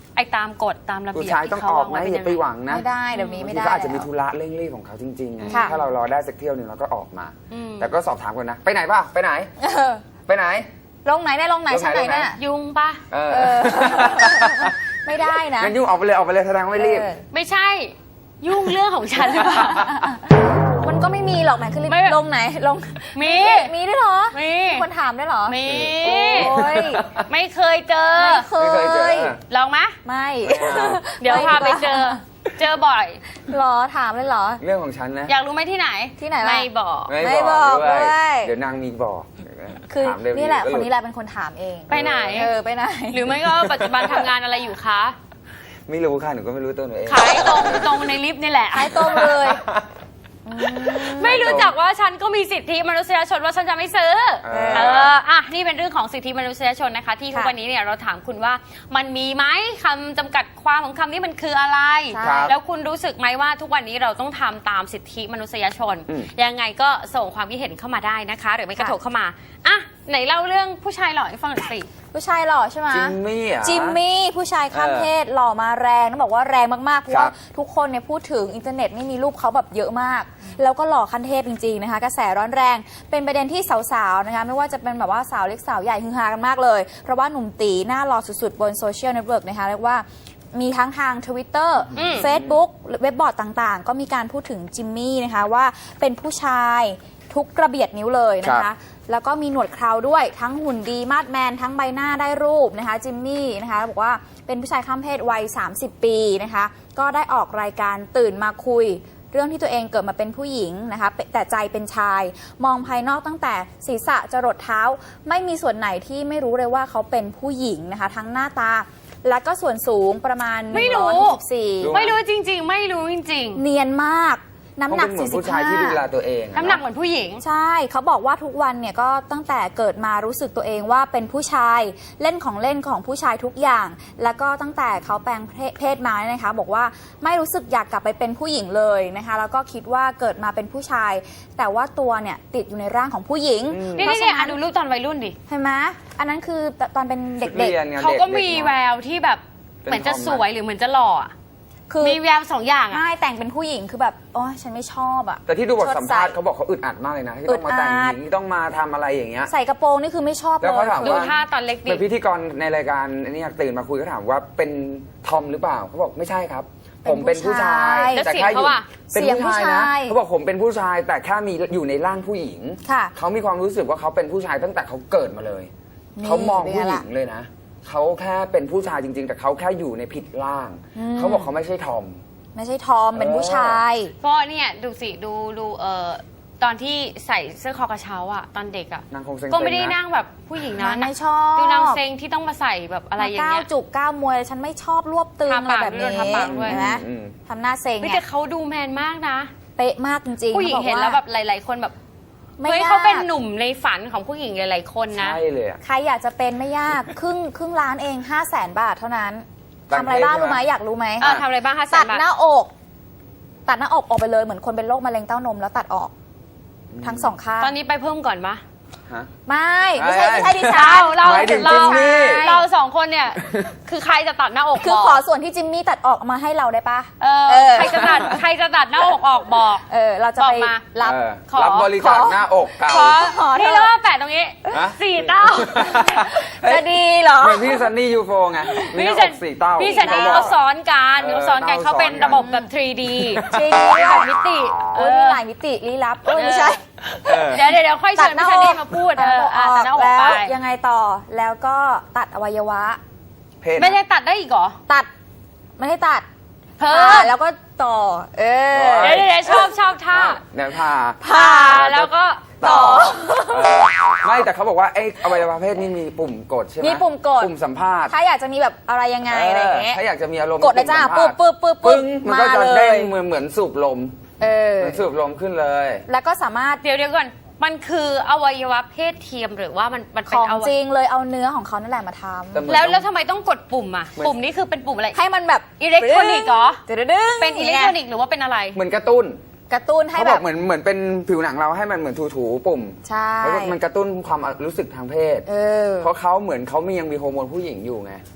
Speaker 3: ไอ้ตามกฎตามระ
Speaker 5: ผู้
Speaker 3: เบียบ
Speaker 5: ชาย
Speaker 3: ที่
Speaker 5: ต้อง
Speaker 3: เขา
Speaker 5: ออก
Speaker 3: วางไว้
Speaker 5: นะ
Speaker 3: เป็น
Speaker 5: อ
Speaker 3: ยั
Speaker 5: ย่าง ไป
Speaker 3: ไง
Speaker 5: หวังนะ
Speaker 4: ไม่ได้เดี๋ยวนี้
Speaker 5: บาง
Speaker 4: ไม่
Speaker 5: ที
Speaker 4: ได้
Speaker 5: ก็อาจจะมี
Speaker 4: แล้ว
Speaker 5: ธุระเร่งรีบของเขาจริงๆไง
Speaker 4: ค่ะ
Speaker 5: ถ้าเรารอได้สักเที่ยวหนึ่งเราก็ออกมา
Speaker 3: อืม
Speaker 5: แต่ก็สอบถามก่อนนะ ไปไหนป่ะไปไหน
Speaker 4: เออ
Speaker 5: ไปไหน
Speaker 4: ลงไหนได้ลงไหน
Speaker 5: ลงไหน
Speaker 4: ชั้นไหน
Speaker 5: ลงไหน
Speaker 4: เนี่ย
Speaker 3: ยุงปะ
Speaker 5: เออ
Speaker 4: เออ ไม่ได้นะ
Speaker 5: งั้นยุ่งออกไปเลยออกไปเลยแสดงว่าไม่รีบ
Speaker 4: เออ
Speaker 3: ไม่ใช่ ยุ่งเรื่องของฉันหรือเปล่า
Speaker 4: มันก็ไม่มีหรอกไหนคือรีบ
Speaker 3: ไม่
Speaker 4: ลงไหนลง
Speaker 3: มี
Speaker 4: มีด้วยเหรอ
Speaker 3: มี
Speaker 4: คนถามด้วยเหรอ
Speaker 3: มี
Speaker 4: โอ้ย
Speaker 3: ไม่เคยเจอ
Speaker 4: ไม่เค
Speaker 5: ไม่เคยเจอ
Speaker 4: ย
Speaker 3: ลองไหม
Speaker 4: ไม่
Speaker 3: เดี๋ยวพาไปเจอ เจอบ่อย
Speaker 4: เหรอถามเลยเหรอ
Speaker 5: เรื่องของฉันนะ
Speaker 3: อยากรู้ไหมที่ไหน
Speaker 4: ที่ไหนล่ะ
Speaker 3: ไม่บอก
Speaker 4: ไม่บอกด้วย
Speaker 5: เดี๋ยวนางมีบอก
Speaker 4: คือ
Speaker 5: ถามเร็ว
Speaker 4: นี่แหละ
Speaker 5: ก็
Speaker 4: คนนี้แหละเป็นคนถามเอง
Speaker 3: ไปไหน
Speaker 4: เออไปไหน
Speaker 3: หรือไม่ก็ปัจจุบันทำงานอะไรอยู่คะ
Speaker 5: ไม่รู้ค่ะหนูก็ไม่รู้ตัวหนูเอง
Speaker 3: ขายตรงตรงในลิฟต์นี่แหละ
Speaker 4: ขายตรงเลยอืม
Speaker 3: ไม่รู้จักว่าฉันก็มีสิทธิมนุษยชนว่าฉันจะไม่ซื้อ
Speaker 5: เอ
Speaker 3: เอ
Speaker 5: อ
Speaker 3: ออ่ะนี่เป็นเรื่องของสิทธิมนุษยชนนะคะ ที่ทุก
Speaker 4: ค่ะ
Speaker 3: วันนี้เนี่ยเราถามคุณว่ามันมีไหมคำจำกัดความของคำนี้มันคืออะไร
Speaker 4: ใช่
Speaker 5: ครับ
Speaker 3: แล้วคุณรู้สึกไหมว่าทุกวันนี้เราต้องทำตามสิทธิมนุษยชน
Speaker 5: อืม
Speaker 3: ยังไงก็ส่งความคิดเห็นเข้ามาได้นะคะ หรือไม่กระโถกเข้ามาอ่ะไหนเล่าเรื่องผู้ชายหล่อให้ฟังหน่อยสิ
Speaker 4: ผู้ชายหล่อใช่ไหม
Speaker 5: จิมมี่อ่ะ
Speaker 4: จิมมี่ผู้ชายข้าม
Speaker 5: เออ
Speaker 4: เพศหล่อมาแรงต้องบอกว่าแรงมากๆเพราะ
Speaker 5: ครั
Speaker 4: ว่า
Speaker 5: บ
Speaker 4: ทุกคนเนี่ยพูดถึงอินเทอร์เน็ตนี่มีรูปเขาแบบเยอะมาก แล้วก็หล่อขั้นเทพจริงๆนะคะกระแสร้อนแรงเป็นประเด็นที่สาวๆนะคะไม่ว่าจะเป็นแบบว่าสาวเล็กสาวใหญ่ฮือฮากันมากเลย เพราะว่าหนุ่มตีหน้าหล่อสุดๆ บนโซเชียลเน็ตเวิร์กนะคะเรียกว่ามีทั้งทาง Twitter
Speaker 3: อืม
Speaker 4: Facebook เว็บบอร์ดต่างๆ ก็มีการพูดถึงจิมมี่นะคะว่าเป็นผู้ชายทุกกระเบียดนิ้วเลยนะ
Speaker 5: ครั
Speaker 4: คะ
Speaker 5: บ
Speaker 4: แล้วก็มีหนวดเคราด้วยทั้งหุ่นดีมาดแมนทั้งใบหน้าได้รูปนะคะจิมมี่นะคะบอกว่าเป็นผู้ชายข้ามเพศวัย สามสิบ ปีนะคะก็ได้ออกรายการตื่นมาคุย เรื่องที่ตัวเองเกิดมาเป็นผู้หญิงนะคะแต่ใจเป็นชาย มองภายนอกตั้งแต่ศีรษะจรดเท้า ไม่มีส่วนไหนที่ไม่รู้เลยว่าเขาเป็นผู้หญิงนะคะทั้งหน้าตา และก็ส่วนสูงประมาณ
Speaker 3: ไม่รู้
Speaker 4: หนึ่งร้อยหกสิบสี่
Speaker 5: รู้
Speaker 3: ไม่รู้จริง ๆ ไม่รู้จริง
Speaker 4: เนียนมากน้ำหนัก
Speaker 5: เขาเป็นเหมือน
Speaker 4: สี่สิบ
Speaker 5: ผู้ชาย
Speaker 4: ห้า
Speaker 5: ที่ดูแลตัวเองอะ
Speaker 3: ๆน้ำหนักเหมือนผู้หญิง
Speaker 4: ใช่เขาบอกว่าทุกวันเนี่ยก็ตั้งแต่เกิดมารู้สึกตัวเองว่าเป็นผู้ชายเล่นของเล่นของผู้ชายทุกอย่าง แล้วก็ตั้งแต่เขาแปลงเพศมาเนี่ยนะคะบอกว่าไม่รู้สึกอยากกลับไปเป็นผู้หญิงเลยนะคะแล้วก็คิดว่าเกิดมาเป็นผู้ชาย แต่ว่าตัวเนี่ยติดอยู่ในร่างของผู้หญิง
Speaker 5: อืม
Speaker 3: นี่
Speaker 4: เพราะ
Speaker 3: นี่
Speaker 4: ฉะ
Speaker 3: นี่
Speaker 4: นั้
Speaker 3: อ่ะ
Speaker 4: น
Speaker 3: ดูรูปตอนวัยรุ่นดิ
Speaker 4: เห็นไหมอันนั้นคือตอนเป็นเด็ก
Speaker 5: รียนไง
Speaker 3: เขาก็
Speaker 5: ด็ๆ
Speaker 3: มี
Speaker 5: เนอะ
Speaker 3: แววที่แบบ
Speaker 5: เป็น
Speaker 3: เหมือนจะ
Speaker 5: ทอมอะ
Speaker 3: สวยหรือเหมือนจะหล่ออะ
Speaker 4: ๆ คือ
Speaker 3: มีแววสองอย่างอ่ะ
Speaker 4: ไม่แต่งเป็นผู้หญิงคือแบบโอ้ฉันไม่ชอบอะ
Speaker 5: แต่ที่ดูบท
Speaker 4: ชด
Speaker 5: สัมภาษณ์
Speaker 4: ใส่
Speaker 5: เขาบอกเขาอึดอัดมากเลยนะที่ต้องมา
Speaker 4: อึดอัด
Speaker 5: แต่งหญิงที่ต้องมาทำอะไรอย่างเงี้ย
Speaker 4: ใส่กระโปรงนี่คือไม่ชอบเล
Speaker 5: แล้ว
Speaker 4: ย
Speaker 5: เขาถาม
Speaker 3: ดู
Speaker 5: ว่า
Speaker 3: ท่าตอนเล็กดิ
Speaker 5: เป็นพิธีกรในรายการนี่ตื่นมาคุยก็ถามว่าเป็นทอมหรือเปล่าเขาบอกไม่ใช่ครับ ผมเป็นผู้ชาย
Speaker 3: แล้ว
Speaker 5: แต่
Speaker 3: เสียง
Speaker 5: แค่อ
Speaker 3: เขา
Speaker 5: ยู่
Speaker 3: อะ
Speaker 5: เป็น
Speaker 4: เสียง
Speaker 5: ผู้ชาย
Speaker 4: ผู้
Speaker 5: นะ
Speaker 4: ชาย
Speaker 5: เขาบอกผมเป็นผู้ชาย แต่แค่มีอยู่ในร่างผู้หญิง
Speaker 4: ค่ะ
Speaker 5: เขามีความรู้สึกว่าเขาเป็นผู้ชายตั้งแต่เขาเกิดมาเลย
Speaker 4: นี่
Speaker 5: เขามอง
Speaker 4: เป็นไง
Speaker 5: ผู้หญิ
Speaker 4: ล่ะ
Speaker 5: งเลยนะเขาแค่เป็นผู้ชายจริง ๆ แต่เขาแค่อยู่ในผิดร่าง
Speaker 4: อืม
Speaker 5: เขาบอกเขาไม่ใช่ทอม
Speaker 4: ไม่ใช่ทอมเป็นผู้ชาย
Speaker 3: ก็เนี่ยดูสิดูดูเอ่อตอนที่ใส่เสื้อคอกระเช้าอ่ะตอนเด็กอ่ะ
Speaker 5: นางคงเซ็งๆ
Speaker 3: ก็ไม่ได้
Speaker 5: นะ
Speaker 3: นั่งแบบผู้หญิงนะ
Speaker 4: ไม่ชอบ
Speaker 3: ดูนางเซ็งที่ต้องมาใส่แบบอะไรอย่าง
Speaker 4: ก้า
Speaker 3: เงี้
Speaker 4: วย จุกก้าวมวยฉันไม่ชอบรวบตึง
Speaker 3: ทา
Speaker 4: อะไร
Speaker 3: ปาก
Speaker 4: แบบ
Speaker 3: ด้
Speaker 4: นี้
Speaker 3: วยทาปากด้วย
Speaker 4: เห็นไหม
Speaker 5: อืม
Speaker 4: ทำหน้าเซ็ง
Speaker 3: เฮ้ย
Speaker 4: เนี่
Speaker 3: แต่
Speaker 4: ย
Speaker 3: เขาดูแมนมากนะ
Speaker 4: เป๊ะมากจริงๆ
Speaker 3: ผู้หญิง
Speaker 4: ขาบอก
Speaker 3: เห็นแล้วแบบหลาย ๆ คนแบบ
Speaker 4: ไม่
Speaker 3: เฮ้ย
Speaker 4: ยาก
Speaker 3: เขาเป็นหนุ่มในฝันของผู้หญิงหลาย ๆ คนนะ
Speaker 5: ใช่เลยอะ
Speaker 4: ใครอยากจะเป็นไม่ยาก ครึ่งครึ่งล้านเองห้าแสนบาทเท่านั้น
Speaker 5: แปลง
Speaker 4: ทำอะไรบ้าง
Speaker 5: เพศ
Speaker 4: รู้ไหม
Speaker 5: ใช่ไหม
Speaker 4: อยากรู้ไหม
Speaker 3: เออทำอะไรบ้างคะแส
Speaker 4: ตั
Speaker 3: น
Speaker 4: ด
Speaker 3: บาท
Speaker 4: หน้าอก ตัดหน้าอกออกไปเลยเหมือนคนเป็นโรคมะเร็งเต้านมแล้วตัดออก ทั้งสองข้าง
Speaker 3: ตอนนี้ไปเพิ่มก่อนปะ
Speaker 5: ฮะ
Speaker 4: ไม่ไม่ใช่
Speaker 5: เอ้ย
Speaker 4: ไม่ใช่ดิฉัน
Speaker 3: เรา
Speaker 5: หมายถึง
Speaker 3: เรา
Speaker 5: จิมมี่
Speaker 3: เราสองคนเนี่ย คือใครจะตัดหน้าอก
Speaker 4: คือ
Speaker 3: บอก
Speaker 4: ขอส่วนที่จิมมี่ตัดออกมาให้เราได้ปะ
Speaker 3: เออ
Speaker 4: เออ
Speaker 3: ใครจะตัดใครจะตัดหน้าอกออกบอก
Speaker 4: เออเราจะ
Speaker 3: บอก
Speaker 4: ไป
Speaker 3: มา
Speaker 4: รับ
Speaker 5: เออ
Speaker 3: ขอ
Speaker 5: รับบริจาค
Speaker 4: ขอ
Speaker 5: หน้าอกเก่า
Speaker 3: ขอ
Speaker 4: ขอเถอะ
Speaker 3: นี่แล้วว่าแปะตรงนี้
Speaker 5: ฮะ
Speaker 3: สี่เต้า
Speaker 4: จะดีเหรอ
Speaker 5: เหมือนพี่ซันนี่ยูโฟไงมีหน้าอกสี่เต้า
Speaker 3: พี่เซนนี่
Speaker 5: เขา
Speaker 3: เขา
Speaker 5: บอก
Speaker 3: ซ้อนกัน
Speaker 5: เออ
Speaker 3: เขาซ้อนกัน
Speaker 5: เต้า
Speaker 3: เขาเป็น
Speaker 5: ซ้อนกัน
Speaker 3: ระบบแบบ ทรีดี
Speaker 4: จริงด้วย
Speaker 3: แบบมิติ
Speaker 4: โอ้ยมีหลายมิติลี้ลับเอ้ยไม่ใช่
Speaker 5: เออ
Speaker 3: เดี๋ยวเดี๋ยวเดี๋ยวค่อย
Speaker 4: ตั
Speaker 3: เชิ
Speaker 4: ด
Speaker 3: ญ
Speaker 4: หน้า
Speaker 3: พี่
Speaker 4: อ
Speaker 3: เซน
Speaker 4: ก
Speaker 3: นี่มาพูดเอออ่ะตัดหน้าอก
Speaker 4: แล้ว
Speaker 3: ไป
Speaker 4: ยังไงต่อแล้วก็ตัดอวัยวะ
Speaker 5: เพศ
Speaker 3: ไม่ใช่ตัดได้อีกเหรอ
Speaker 4: ตัดไม่ให้ตัด
Speaker 3: เพิ่
Speaker 4: ผ่าม แล้วก็ต่อ เออ
Speaker 3: เดี๋ยวเดี๋ยวเดี๋ยวชอบชอบท่า
Speaker 5: เดี๋ยวผ่า
Speaker 3: ผ่าแล้วก็
Speaker 4: ต่อ
Speaker 5: เออไม่แต่เขาบอกว่าไอ้อวัยวะเพศนี่มีปุ่มกดใช่ไหม
Speaker 4: มีปุ่มกด
Speaker 5: ปุ่มสัมภาษณ์
Speaker 4: ถ้าอยากจะมีแบบอะไรยังไงอะไรอย่างเงี้ย
Speaker 5: ถ้าอยากจะมีอารมณ์
Speaker 4: กดเลยจ้า
Speaker 5: ปุ่มสัมภ
Speaker 4: ปึ๊บ
Speaker 5: ษณ์
Speaker 4: ปึ๊บปึ๊บ
Speaker 5: ปึ้งมันก็จะ
Speaker 4: มาเล
Speaker 5: เด้
Speaker 4: ย
Speaker 5: งเหมือนเหมือนสูบลม
Speaker 4: เออ
Speaker 5: เหมือนสูบลมขึ้นเลย
Speaker 4: แล้วก็สามารถ
Speaker 3: เดี๋ยวเดี๋ยวก่อนมันคืออวัยวะเพศเทียมหรือว่ามันมัน
Speaker 4: ข
Speaker 3: เป็น
Speaker 4: อง
Speaker 3: อวั
Speaker 4: จริ
Speaker 3: ย
Speaker 4: งเลยเอาเนื้อของเขานั่นแหละมาท
Speaker 5: แต่เหมือน
Speaker 3: แล้ว
Speaker 5: ต้อง
Speaker 3: แล้วทำไมต้องกดปุ่มอ่ะ
Speaker 5: เหมือน
Speaker 3: ปุ่มนี้คือเป็นปุ่มอะไร
Speaker 4: ำให้มันแบบ
Speaker 3: อิเล็กทรอนิกส์เหรอ
Speaker 4: ดึงๆ
Speaker 3: เป็นอิเล็กทรอนิกส์หรือว่าเป็นอะไร
Speaker 5: เหมือนกระตุ้น
Speaker 4: กระตุ้นให้
Speaker 5: เขา
Speaker 4: แบบ
Speaker 5: อบ กเหมือนเหมือนเป็นผิวหนังเราให้มันเหมือนถูๆปุ่ม
Speaker 4: ใช่
Speaker 5: แล้วก็มันกระตุ้นความรู้สึกทางเพศ
Speaker 4: เออ
Speaker 5: เพราะเขาเหมือนเขามียังมีฮอร์โมนผู้หญิงอยู่ไง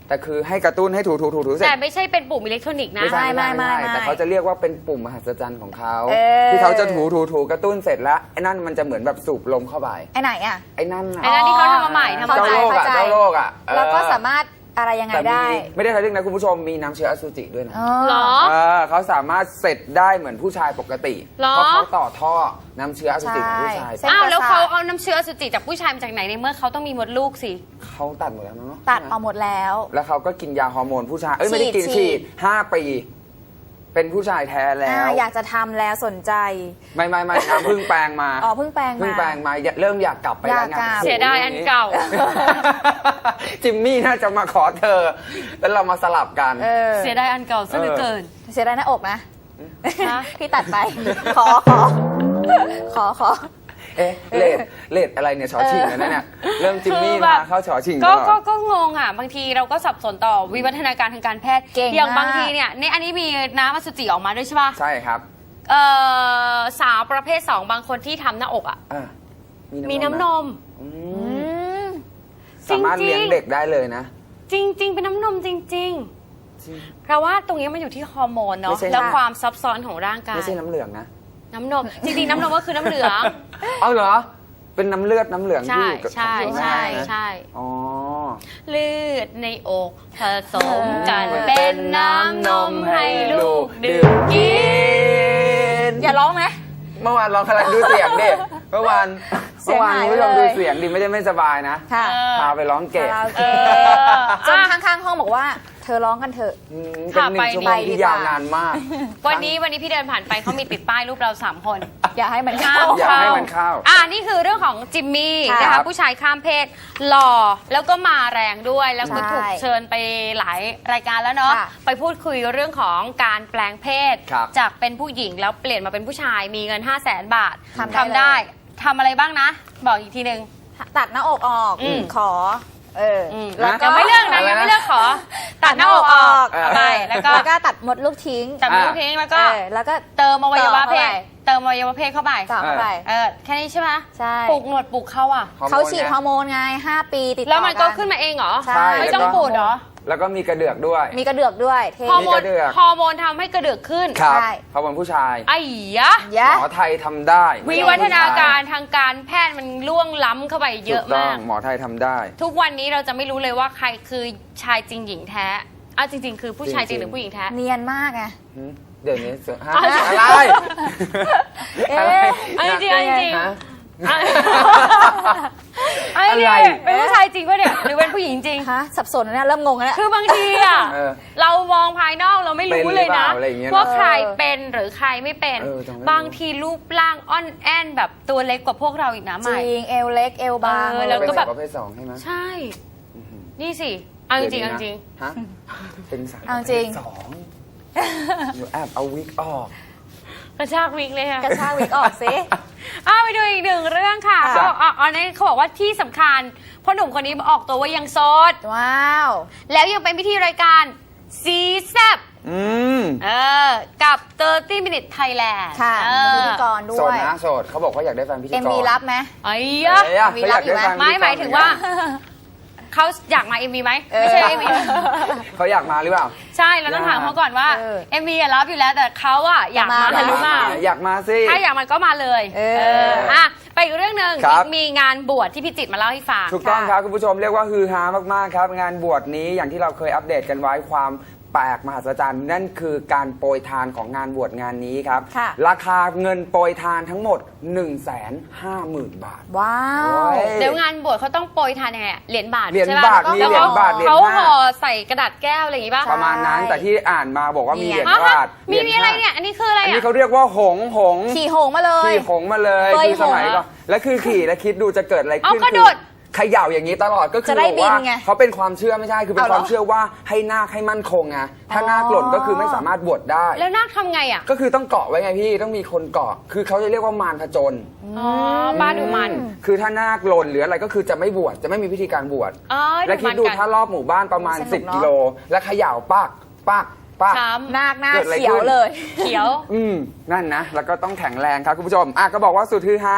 Speaker 5: แต่คือให้กระตุ้นให้ถูถูถูถูเสร็จ
Speaker 3: แต่ไม่ใช่เป็นปุ่มอิเล็กทรอนิกส์นะ
Speaker 5: ไม่ใช่
Speaker 4: ไม่
Speaker 5: ไม่
Speaker 4: ไม่
Speaker 5: ไม่
Speaker 4: ไม่
Speaker 5: แต่เขาจะเรียกว่าเป็นปุ่มมหัศจรรย์ของเขา
Speaker 4: เออ
Speaker 5: ที่เขาจะถูถูถูกระตุ้นเสร็จแล้วไอ้นั่นมันจะเหมือนแบบสูบลมเข้าไป
Speaker 4: ไอ้ไหนอ่ะ
Speaker 5: ไอ้นั่นน่ะ
Speaker 3: ไอ้นั่นที่เขาทำมาใหม่ทำมา
Speaker 5: เจ้า
Speaker 3: ใหม่
Speaker 5: โลกอ่ะ
Speaker 4: เข้าใจ
Speaker 5: เจ้าโลกอ่ะเออ
Speaker 4: แล้วก็สามารถอะไรยังไง
Speaker 5: แต่มี
Speaker 4: ได้
Speaker 5: ไม่ได้ทะลึ่งนะคุณผู้ชมมีน้ำเชื้ออสุจิด้วยนะ
Speaker 4: อ๋อ
Speaker 3: เหรอ
Speaker 5: เออเขาสามารถเสร็จได้เหมือนผู้ชายปกติ
Speaker 3: เหรอ
Speaker 5: เพราะเขาต่อท่อน้ำเชื้ออสุจิของผู้ชาย
Speaker 4: ใช่
Speaker 3: อ้าวแล้ว
Speaker 4: เส้นประสาท
Speaker 3: เขาเอาน้ำเชื้ออสุจิจากผู้ชายมาจากไหนในเมื่อเขาต้องมีมดลูกสิ
Speaker 5: เขาตัดหมดแล้วเนาะ
Speaker 4: ตัดเอาหมดแล้ว
Speaker 5: แล้วเขาก็กินยาฮอร์โมนผู้ชายเอ้ยไม่ได้กิน
Speaker 4: ฉีด
Speaker 5: ฉีดห้าปี เป็นผู้ชายแท้แล้
Speaker 4: อ่าว อยากจะทำแล้วสนใจ
Speaker 5: ไม่ไม่ไม่น้ำเพึ่งแปลงมา
Speaker 4: อ๋อเพิ่งแปลงมา
Speaker 5: เพึ่งแปลงมาเริ่มอยากกลับไปแล้วไง
Speaker 4: อยากกลับ
Speaker 5: โโห
Speaker 3: เสียดายอันเก่า
Speaker 5: จิมมี่น่าจะมาขอเธอ แล้วเรามาสลับกัน
Speaker 4: เออ
Speaker 3: เสียดายอันเก่าซะเหลือเกิน
Speaker 4: เสียดายหน้าอกนะ
Speaker 3: ฮะ
Speaker 4: ที่ตัดไป ขอขอ ขอขอ
Speaker 5: เอ๊ะเลดเลดอะไรเนี่ยชอชิงแล้วนะเนี่ยเริ่มจิมมี่
Speaker 3: คือแบ
Speaker 5: มา
Speaker 3: บ
Speaker 5: เข้าชอชิง
Speaker 3: ก็
Speaker 5: ตลอด
Speaker 3: ก็ก็งงอ่ะ บางทีเราก็สับสนต่อวิวัฒนาการทางการแพทย์
Speaker 4: เก่ง
Speaker 3: อย่าง
Speaker 4: มาก
Speaker 3: บางทีเนี่ยในอันนี้มีน้ำอสุจิออกมาด้วยใช่ป่ะ
Speaker 5: ใช่ครับ
Speaker 3: เอ่อสาวประเภทสองบางคนที่ทำหน้าอกอ่ะ
Speaker 5: อ่ะ
Speaker 3: มีน้ำนม
Speaker 5: อื
Speaker 4: อื
Speaker 5: ม
Speaker 4: ม
Speaker 5: สามารถ
Speaker 3: จริงๆ
Speaker 5: เลี้ยงเด็กได้เลยนะ
Speaker 3: จริง ๆ เป็นน้ำนมจริง
Speaker 5: จริง
Speaker 3: ๆ เพราะว่าตรงนี้มันอยู่ที่ฮอร์โมน
Speaker 5: ไม่
Speaker 3: เนาะ
Speaker 5: ใช่
Speaker 3: แล้ว
Speaker 4: ค่ะ
Speaker 3: ความซับซ้อนของร่างกาย
Speaker 5: ไม่ใช่น้ำเหลืองนะ
Speaker 3: น้ำนม จริง ๆ น้ำนมก็คือน้ำเหลือง
Speaker 5: เอาเหรอ เป็นน้ำเลือดน้ำเหลือง
Speaker 3: ใช่
Speaker 5: ที่อยู่กับ
Speaker 3: ใช่
Speaker 5: ของคุณ
Speaker 3: ใช่
Speaker 5: แม่นะ
Speaker 3: ใช่
Speaker 5: อ๋อ
Speaker 3: เลือดในอกผสมกันเป็นน้ำนมให้ลูกดื่มกิน
Speaker 4: อย่าร้องไหม
Speaker 5: เมื่อวานลองอะไรดูเสียงดิเมื่อวาน
Speaker 4: เสี
Speaker 5: เมื่
Speaker 4: ย
Speaker 5: อง วาน
Speaker 4: หาย
Speaker 5: คุณผู้ชม
Speaker 4: ไปเลย
Speaker 5: ดูเสียงดิไม่ได้ไม่สบายนะ
Speaker 4: ค่ะ
Speaker 3: เออ
Speaker 5: พาไปร้องเกะ
Speaker 4: คาราโอ
Speaker 3: เอ
Speaker 4: เกะ
Speaker 3: อ
Speaker 4: จน
Speaker 3: อ่ะ
Speaker 4: ข้างๆห้องบอกว่า เธอร้องกันเถอะ
Speaker 5: อืมเป็นหนึ่งชั่วโมงที่ยาวนานมาก
Speaker 3: วันนี้วันนี้พี่เดินผ่านไปเขามีติดป้ายรูปเราสามคน
Speaker 4: อย่าให้มันเข้า
Speaker 5: อยากให้มันเข้า
Speaker 3: อ่านี่คือเรื่องของจิมมี่
Speaker 4: ค่ะ
Speaker 3: นะคะผู้ชายข้ามเพศหล่อแล้วก็มาแรงด้วย แล้วก็
Speaker 4: ใช่
Speaker 3: ถูกเชิญไปหลายรายการแล้วเนาะ
Speaker 4: ค่ะ
Speaker 3: ไปพูดคุยเรื่องของการแปลงเพศ
Speaker 5: ครับ
Speaker 3: จากเป็นผู้หญิงแล้วเปลี่ยนมาเป็นผู้ชายมีเงิน ห้าแสนบาท
Speaker 4: ทำได้
Speaker 3: ได้
Speaker 4: เลย
Speaker 3: ทำอะไรบ้างนะ บอกอีกทีหนึ่ง
Speaker 4: ตัดหน้าอกออก
Speaker 3: อืม
Speaker 4: ขอ เอออ
Speaker 3: ม
Speaker 4: แล้วก็
Speaker 3: ยังไม่เลือกนะยังไม่เลือกขอ ตัดหน้าอกออก
Speaker 5: เออ
Speaker 3: เอาไปแล้วก็
Speaker 4: แล้วก็ตัดมดลูกทิ้ง
Speaker 3: ตัดมือทิ้งแล้วก็
Speaker 4: เออแล้วก็
Speaker 3: เติมอวัยวะเพ
Speaker 4: ต่อเข้า
Speaker 3: ศ
Speaker 4: ไป
Speaker 3: เติมอวัยวะเพศเข้าไป
Speaker 4: ต่อเข้าไป
Speaker 3: เออแค่นี้ใช่ไหม
Speaker 4: ใช่
Speaker 3: ปลูกหนวดปลูกเขาอ่ะ
Speaker 5: ฮอร์โมน
Speaker 4: เขาฉีด
Speaker 5: ไง
Speaker 4: ฮอร์โมนไงห้าปีติดต่อ
Speaker 3: แล้วมันก็
Speaker 4: กั
Speaker 3: ขึ้นมาเองเหรอ
Speaker 4: ใช่
Speaker 3: ไม่
Speaker 5: แล้ว
Speaker 3: ต้อง
Speaker 5: ก็
Speaker 3: ปูดเหรอ
Speaker 5: แล้วก็มีกระเดือกด้วย
Speaker 4: มีกระเดือกด้วยเท่
Speaker 3: ฮอร์โม
Speaker 5: มี
Speaker 3: น
Speaker 5: กระเดือก
Speaker 3: ฮอร์โมนทำให้กระเดือกขึ้น
Speaker 5: ครับ
Speaker 4: ใช่
Speaker 5: เขาเป็นผู้ชาย
Speaker 3: ไอ้ยะ
Speaker 4: ยะ
Speaker 5: หมอไทยทำได้
Speaker 3: วิวัฒนาการทางการแพทย์มันล่วงล้ำเข้าไปเยอะ
Speaker 5: ถูกต้
Speaker 3: มา
Speaker 5: อก งหมอไทยทำได้
Speaker 3: ทุกวันนี้เราจะไม่รู้เลยว่าใครคือชายจริงหญิงแท้อ่ะจริง ๆ คือผู้ชายจริงหรือผู้หญิงแท้
Speaker 4: เนียนมากไง
Speaker 5: หืมเดี๋ยวนี้เสือฮะ
Speaker 3: อ๋อ
Speaker 5: อะไร
Speaker 4: เอ๊ะ
Speaker 5: อะไร
Speaker 3: เอาจริงๆเอาจริง
Speaker 5: ฮะ
Speaker 3: อ่ะไอ้
Speaker 5: อะไร
Speaker 3: เนี่ยเป็นผู้ชายจริงปะเนี่ยหรือเป็นผู้หญิงจริง
Speaker 4: ฮะสับสนแล้วเนี่ยเริ่มงงแล้ว
Speaker 3: คือบางทีอ่ะ
Speaker 5: เออ
Speaker 3: เรามองภายนอกเราไม่รู้เลยนะ
Speaker 5: เป็นหรือเปล่าอะไรอย่างเงี้ยนะ
Speaker 3: ว่าใครเป็นหรือใครไม่เป็น
Speaker 5: เออจำไม่รู้
Speaker 3: บางทีรูปร่างอ่อนแอนแบบตัวเล็กกว่าพวกเราอีกนะ
Speaker 4: จ
Speaker 3: ใหม่
Speaker 4: ริงเอวเล็กเอวบาง
Speaker 3: เออแล้วก็แบบ
Speaker 5: เป็นสาวประเภทสองใช่ไหม
Speaker 3: ใช่ นี่สิเอาจริงๆเอาจริง
Speaker 5: ฮะเป็นสาว
Speaker 4: เอาจริง
Speaker 5: ประเภทสองหนูแอบเอาวิกออก
Speaker 3: กระชากวิกเลยค่ะ
Speaker 4: กระชากวิกออกสิ
Speaker 3: อ้าวไปดูอีกหนึ่งเรื่องค่ะ
Speaker 4: ค่ะ
Speaker 3: เขาบอกอ่ะอันนี้เขาบอกว่าที่สำคัญพ่อหนุ่มคนนี้ออกตัวว่ายังโสด
Speaker 4: ว้าว
Speaker 3: แล้วยังเป็นพิธีรายการซีแซบ
Speaker 5: อืม
Speaker 3: เออกับสามสิบ minutes Thailand
Speaker 4: ค่ะ
Speaker 3: เอ
Speaker 4: มีพิ
Speaker 3: อ
Speaker 4: ธีกรด้
Speaker 5: โส
Speaker 4: ว
Speaker 5: ด
Speaker 4: ย
Speaker 5: นะโสดเขาบอกว่าอยากได้แฟนพิธีกร
Speaker 4: เอ็มวีรับไหม
Speaker 3: ไอ้
Speaker 5: เอ้
Speaker 3: ยะ
Speaker 5: ยอะ
Speaker 4: มี
Speaker 5: เขา
Speaker 4: รั
Speaker 5: อบ ยาก
Speaker 4: อยู่
Speaker 5: ได้
Speaker 4: ไหม
Speaker 5: แฟน
Speaker 3: ไม่
Speaker 5: พิธีกร
Speaker 3: หมายถึงว่า เขาอยากมา เอ็ม วีไหมไม่ใช่
Speaker 4: เออ
Speaker 3: เอ็ม วี
Speaker 5: เขาอยากมาหรือเปล่า
Speaker 3: ใช่เราต้องถามเขาก่อนว่า
Speaker 4: เออ
Speaker 3: เอ็ม วีอะรับอยู่แล้วแต่เขาอะอยากมา
Speaker 4: อยากมา
Speaker 3: หรือเปล่า
Speaker 5: อยากมาสิ
Speaker 3: ถ้าอยากมาก็มาเลย
Speaker 4: เออ
Speaker 3: อ่ะไปอีกเรื่องหนึ่ง
Speaker 5: ครับ
Speaker 3: มีงานบวชที่พิจิตรมาเล่าให้ฟัง
Speaker 5: ถูกต้องครับคุณผู้ชมเรียกว่าฮือฮามากๆครับ งานบวชนี้อย่างที่เราเคยอัปเดตกันไว้ความแปลกมหัศจรรย์นั่นคือการโปรยทานของงานบวชงานนี้ครับ
Speaker 4: ค่ะ
Speaker 5: ราคาเงินโปรยทานทั้งหมด หนึ่งแสนห้าหมื่น บาท
Speaker 4: ว้าว
Speaker 5: โอ้ย
Speaker 3: เดี๋ยวงานบวชเขาต้องโปรยทานยังไงอะเหรียญบาท
Speaker 5: เหรียญ
Speaker 3: ใช่ปะ
Speaker 5: บาท
Speaker 3: แล้ว
Speaker 5: มีเหรียญบาทเหรียญ
Speaker 3: เขา
Speaker 5: ห้า
Speaker 3: ห่อใส่กระดาษแก้วอะไรอย่างงี้ป่ะ
Speaker 4: ใช่
Speaker 5: ประมาณนั้นแต่ที่อ่านมาบอกว่ามีเหรียญ
Speaker 3: ฮะ
Speaker 5: บาท
Speaker 3: มีมีอะไร
Speaker 5: หญ
Speaker 3: เนี่ยอันนี้คืออะไร
Speaker 5: อัน
Speaker 3: อ่ะ
Speaker 5: นี้เขาเรียกว่าหงส์หงส์
Speaker 4: ขี่หงมาเลย
Speaker 5: ขี่หงส์มาเลย
Speaker 4: เคย
Speaker 5: คือสมัย
Speaker 3: หงส์
Speaker 5: ก่อนแล้วคือขี่แล้วคิดดูจะเกิดอะไร
Speaker 3: เอา
Speaker 5: ขึ้น
Speaker 3: กระโดด
Speaker 5: เขย่าอย่างนี้ตลอดก็คือ
Speaker 4: จะได้
Speaker 5: บอกว่า
Speaker 4: บินไง
Speaker 5: เขาเป็นความเชื่อไม่ใช่คือเป็น
Speaker 4: เอาเหรอ
Speaker 5: ความเชื่อว่าให้นาคให้มั่นคงไงถ้า
Speaker 4: อ๋อ
Speaker 5: นาคหล่นก็คือไม่สามารถบวชได้
Speaker 3: แล้วนาคทำไงอ่ะ
Speaker 5: ก็คือต้องเกาะไว้ไงพี่ต้องมีคนเกาะ คือเขาจะเรียกว่ามารผจญ
Speaker 3: อ๋อบ้านดูมัน
Speaker 5: คือถ้านาคหล่นหรืออะไรก็คือจะไม่บวชจะไม่มีพิธีการบวช
Speaker 3: อ๋อ
Speaker 5: และคิดดู
Speaker 3: มันกัน
Speaker 5: ถ้ารอบหมู่บ้านประมาณ
Speaker 4: สนุก
Speaker 5: สิบ
Speaker 4: เนอะ
Speaker 5: กิโลแล้วเขย่าปักปักปัก
Speaker 3: ช้
Speaker 4: นาคหน้า
Speaker 5: เกิดอะไร
Speaker 4: เขียว
Speaker 5: ขึ้น
Speaker 4: เลย
Speaker 3: ำเขียว
Speaker 5: อืมนั่นนะ แล้วก็ต้องแข็งแรงครับคุณผู้ชมอ่ะก็บอกว่าสุดฮือฮา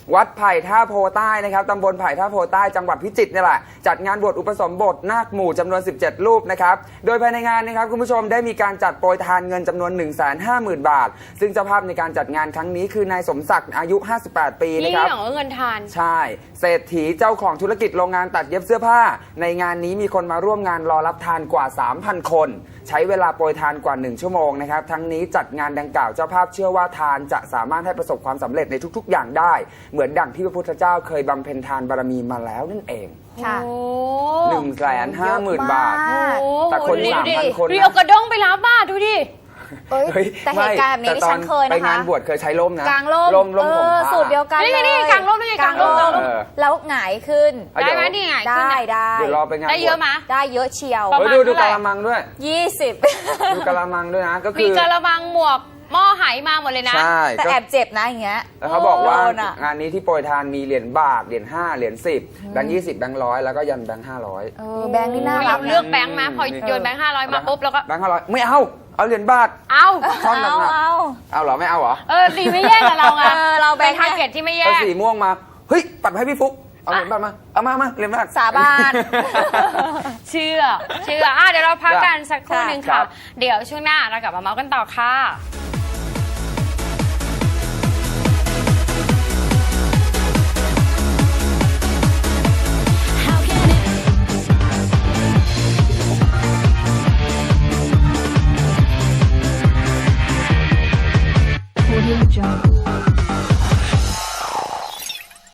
Speaker 5: วัดไผ่ท่าโพใต้นะครับตำบลไผ่ท่าโพใต้จังหวัดพิจิตรนี่แหละจัดงานบวชอุปสมบทนาคหมู่จำนวนสิบเจ็ดรูปนะครับโดยภายในงานนะครับคุณผู้ชมได้มีการจัดโปรยทานเงินจำนวน หนึ่งแสนห้าหมื่น บาท ซึ่งเจ้าภาพในการจัดงานครั้งนี้คือนายสมศักดิ์อายุห้าสิบแปดปีนะ
Speaker 3: นี่
Speaker 5: ครับ
Speaker 3: เหรอเงินทาน
Speaker 5: ใช่เศรษฐีเจ้าของธุรกิจโรงงานตัดเย็บเสื้อผ้าในงานนี้มีคนมาร่วมงานรอรับทานกว่า สามพัน คนใช้เวลาโปรยทานกว่าหนึ่งชั่วโมงนะครับทั้งนี้จัดงานดังกล่าวเจ้าภาพเชื่อว่าทานจะสามารถให้ประสบความสำเร็จในทุกๆ อย่างได้เหมือนดั่งที่พระพุทธเจ้าเคยบำเพ็ญทานบารมีมาแล้วนั่นเอง
Speaker 4: ค่ะ
Speaker 3: โอ้
Speaker 5: หนึ่งแสนห้าหมื่น บาท
Speaker 4: เยอะมาก
Speaker 3: โอ้
Speaker 5: แต่คน
Speaker 3: ดูดิ
Speaker 5: สามพัน
Speaker 3: ดูดิ
Speaker 5: คน
Speaker 3: ดูดิ
Speaker 5: นะ
Speaker 3: เอากระด้งไปรับบ้าดูดิ
Speaker 4: เอ้ย
Speaker 5: เฮ้ย
Speaker 4: แต่เหตุการณ์แบบนี้
Speaker 5: ไม่
Speaker 4: ดิฉันเคย
Speaker 5: ไป
Speaker 4: นะคะ
Speaker 5: งานบวชเคยใช้ร่มนะ
Speaker 4: กลางร่ม
Speaker 5: ร่มร่ม
Speaker 4: เอ
Speaker 5: ของ
Speaker 4: อ
Speaker 5: พระ
Speaker 4: สูตรเดียวกัน
Speaker 3: นี่
Speaker 4: เลย
Speaker 3: นี่กลางร่มนี่กลางร่มกลางร่ม
Speaker 5: เออ
Speaker 4: แล้วหงายขึ้น
Speaker 5: เอา
Speaker 3: ได้
Speaker 5: เดี๋ยว
Speaker 3: ไหมนี่ไงขึ้น
Speaker 4: ได้
Speaker 3: อะ
Speaker 4: ได้
Speaker 5: เดี๋ยวรอไปงาน
Speaker 3: ได้เยอะไหม
Speaker 4: ได้เยอะเชียว
Speaker 3: ประ
Speaker 5: เฮ้
Speaker 3: มาย ณ
Speaker 5: ดูดู
Speaker 3: เท่าไหร่
Speaker 5: กะละมังด้วย
Speaker 4: ยี่สิบ
Speaker 5: ดูกะละมังด้วยนะก็คื
Speaker 3: มี
Speaker 5: อ
Speaker 3: กระมังหมวกหม้อไหมาหมดเลยนะ
Speaker 5: ใช่
Speaker 4: แต่
Speaker 5: ก็
Speaker 4: แอบเจ็บนะอย่างเงี้ย
Speaker 5: แล้วเขาบอกว่า
Speaker 4: โดนอะ
Speaker 5: งานนี้ที่โปรยทานมีเหรียญบาทเหรียญห้าเหรียญสิบแบงค์ยี่สิบแบงค์ร้อยแล้วก็ยันแบงค์ห้าร้อย
Speaker 4: เออแบงค์นี่น่ารั
Speaker 3: เรา
Speaker 4: ก
Speaker 3: เลือก
Speaker 4: นะ
Speaker 3: แบงค์มาพอโยนแบงค์ห้าร้อยมาปุ๊บแล้วก็
Speaker 5: แบงค์ห้าร้อยไม่เอาเอาเหรียญบาท
Speaker 3: เอา
Speaker 5: ท่อนหนัก
Speaker 4: เอา
Speaker 5: ๆ
Speaker 4: เอา
Speaker 5: เอาเหรอไม่เอาเหรอ
Speaker 3: เออดีไม่แย่งกับเราไง
Speaker 4: เออเราแบ
Speaker 3: เป็
Speaker 4: ง
Speaker 3: น
Speaker 4: ค์
Speaker 3: ทาร์เก็ตที่ไม่แย่
Speaker 5: เอา
Speaker 3: ง
Speaker 5: สีม่วงมาเฮ้ยปัดมาให้พี่ฟุกเอาเหรียญบาทมาเอามามาเหรียญบาท
Speaker 4: สาบาน
Speaker 3: เชื่อ เชื่ออ่ะเดี๋ยวเราพักกันสักครู่
Speaker 4: ค่ะ
Speaker 3: หนึ่ง
Speaker 5: ครั
Speaker 3: ค่ะ
Speaker 5: บ
Speaker 3: เดี๋ยวช่วงหน้าเรากลับมาเมาส์กันต่อค่ะ
Speaker 1: Audio Jungle.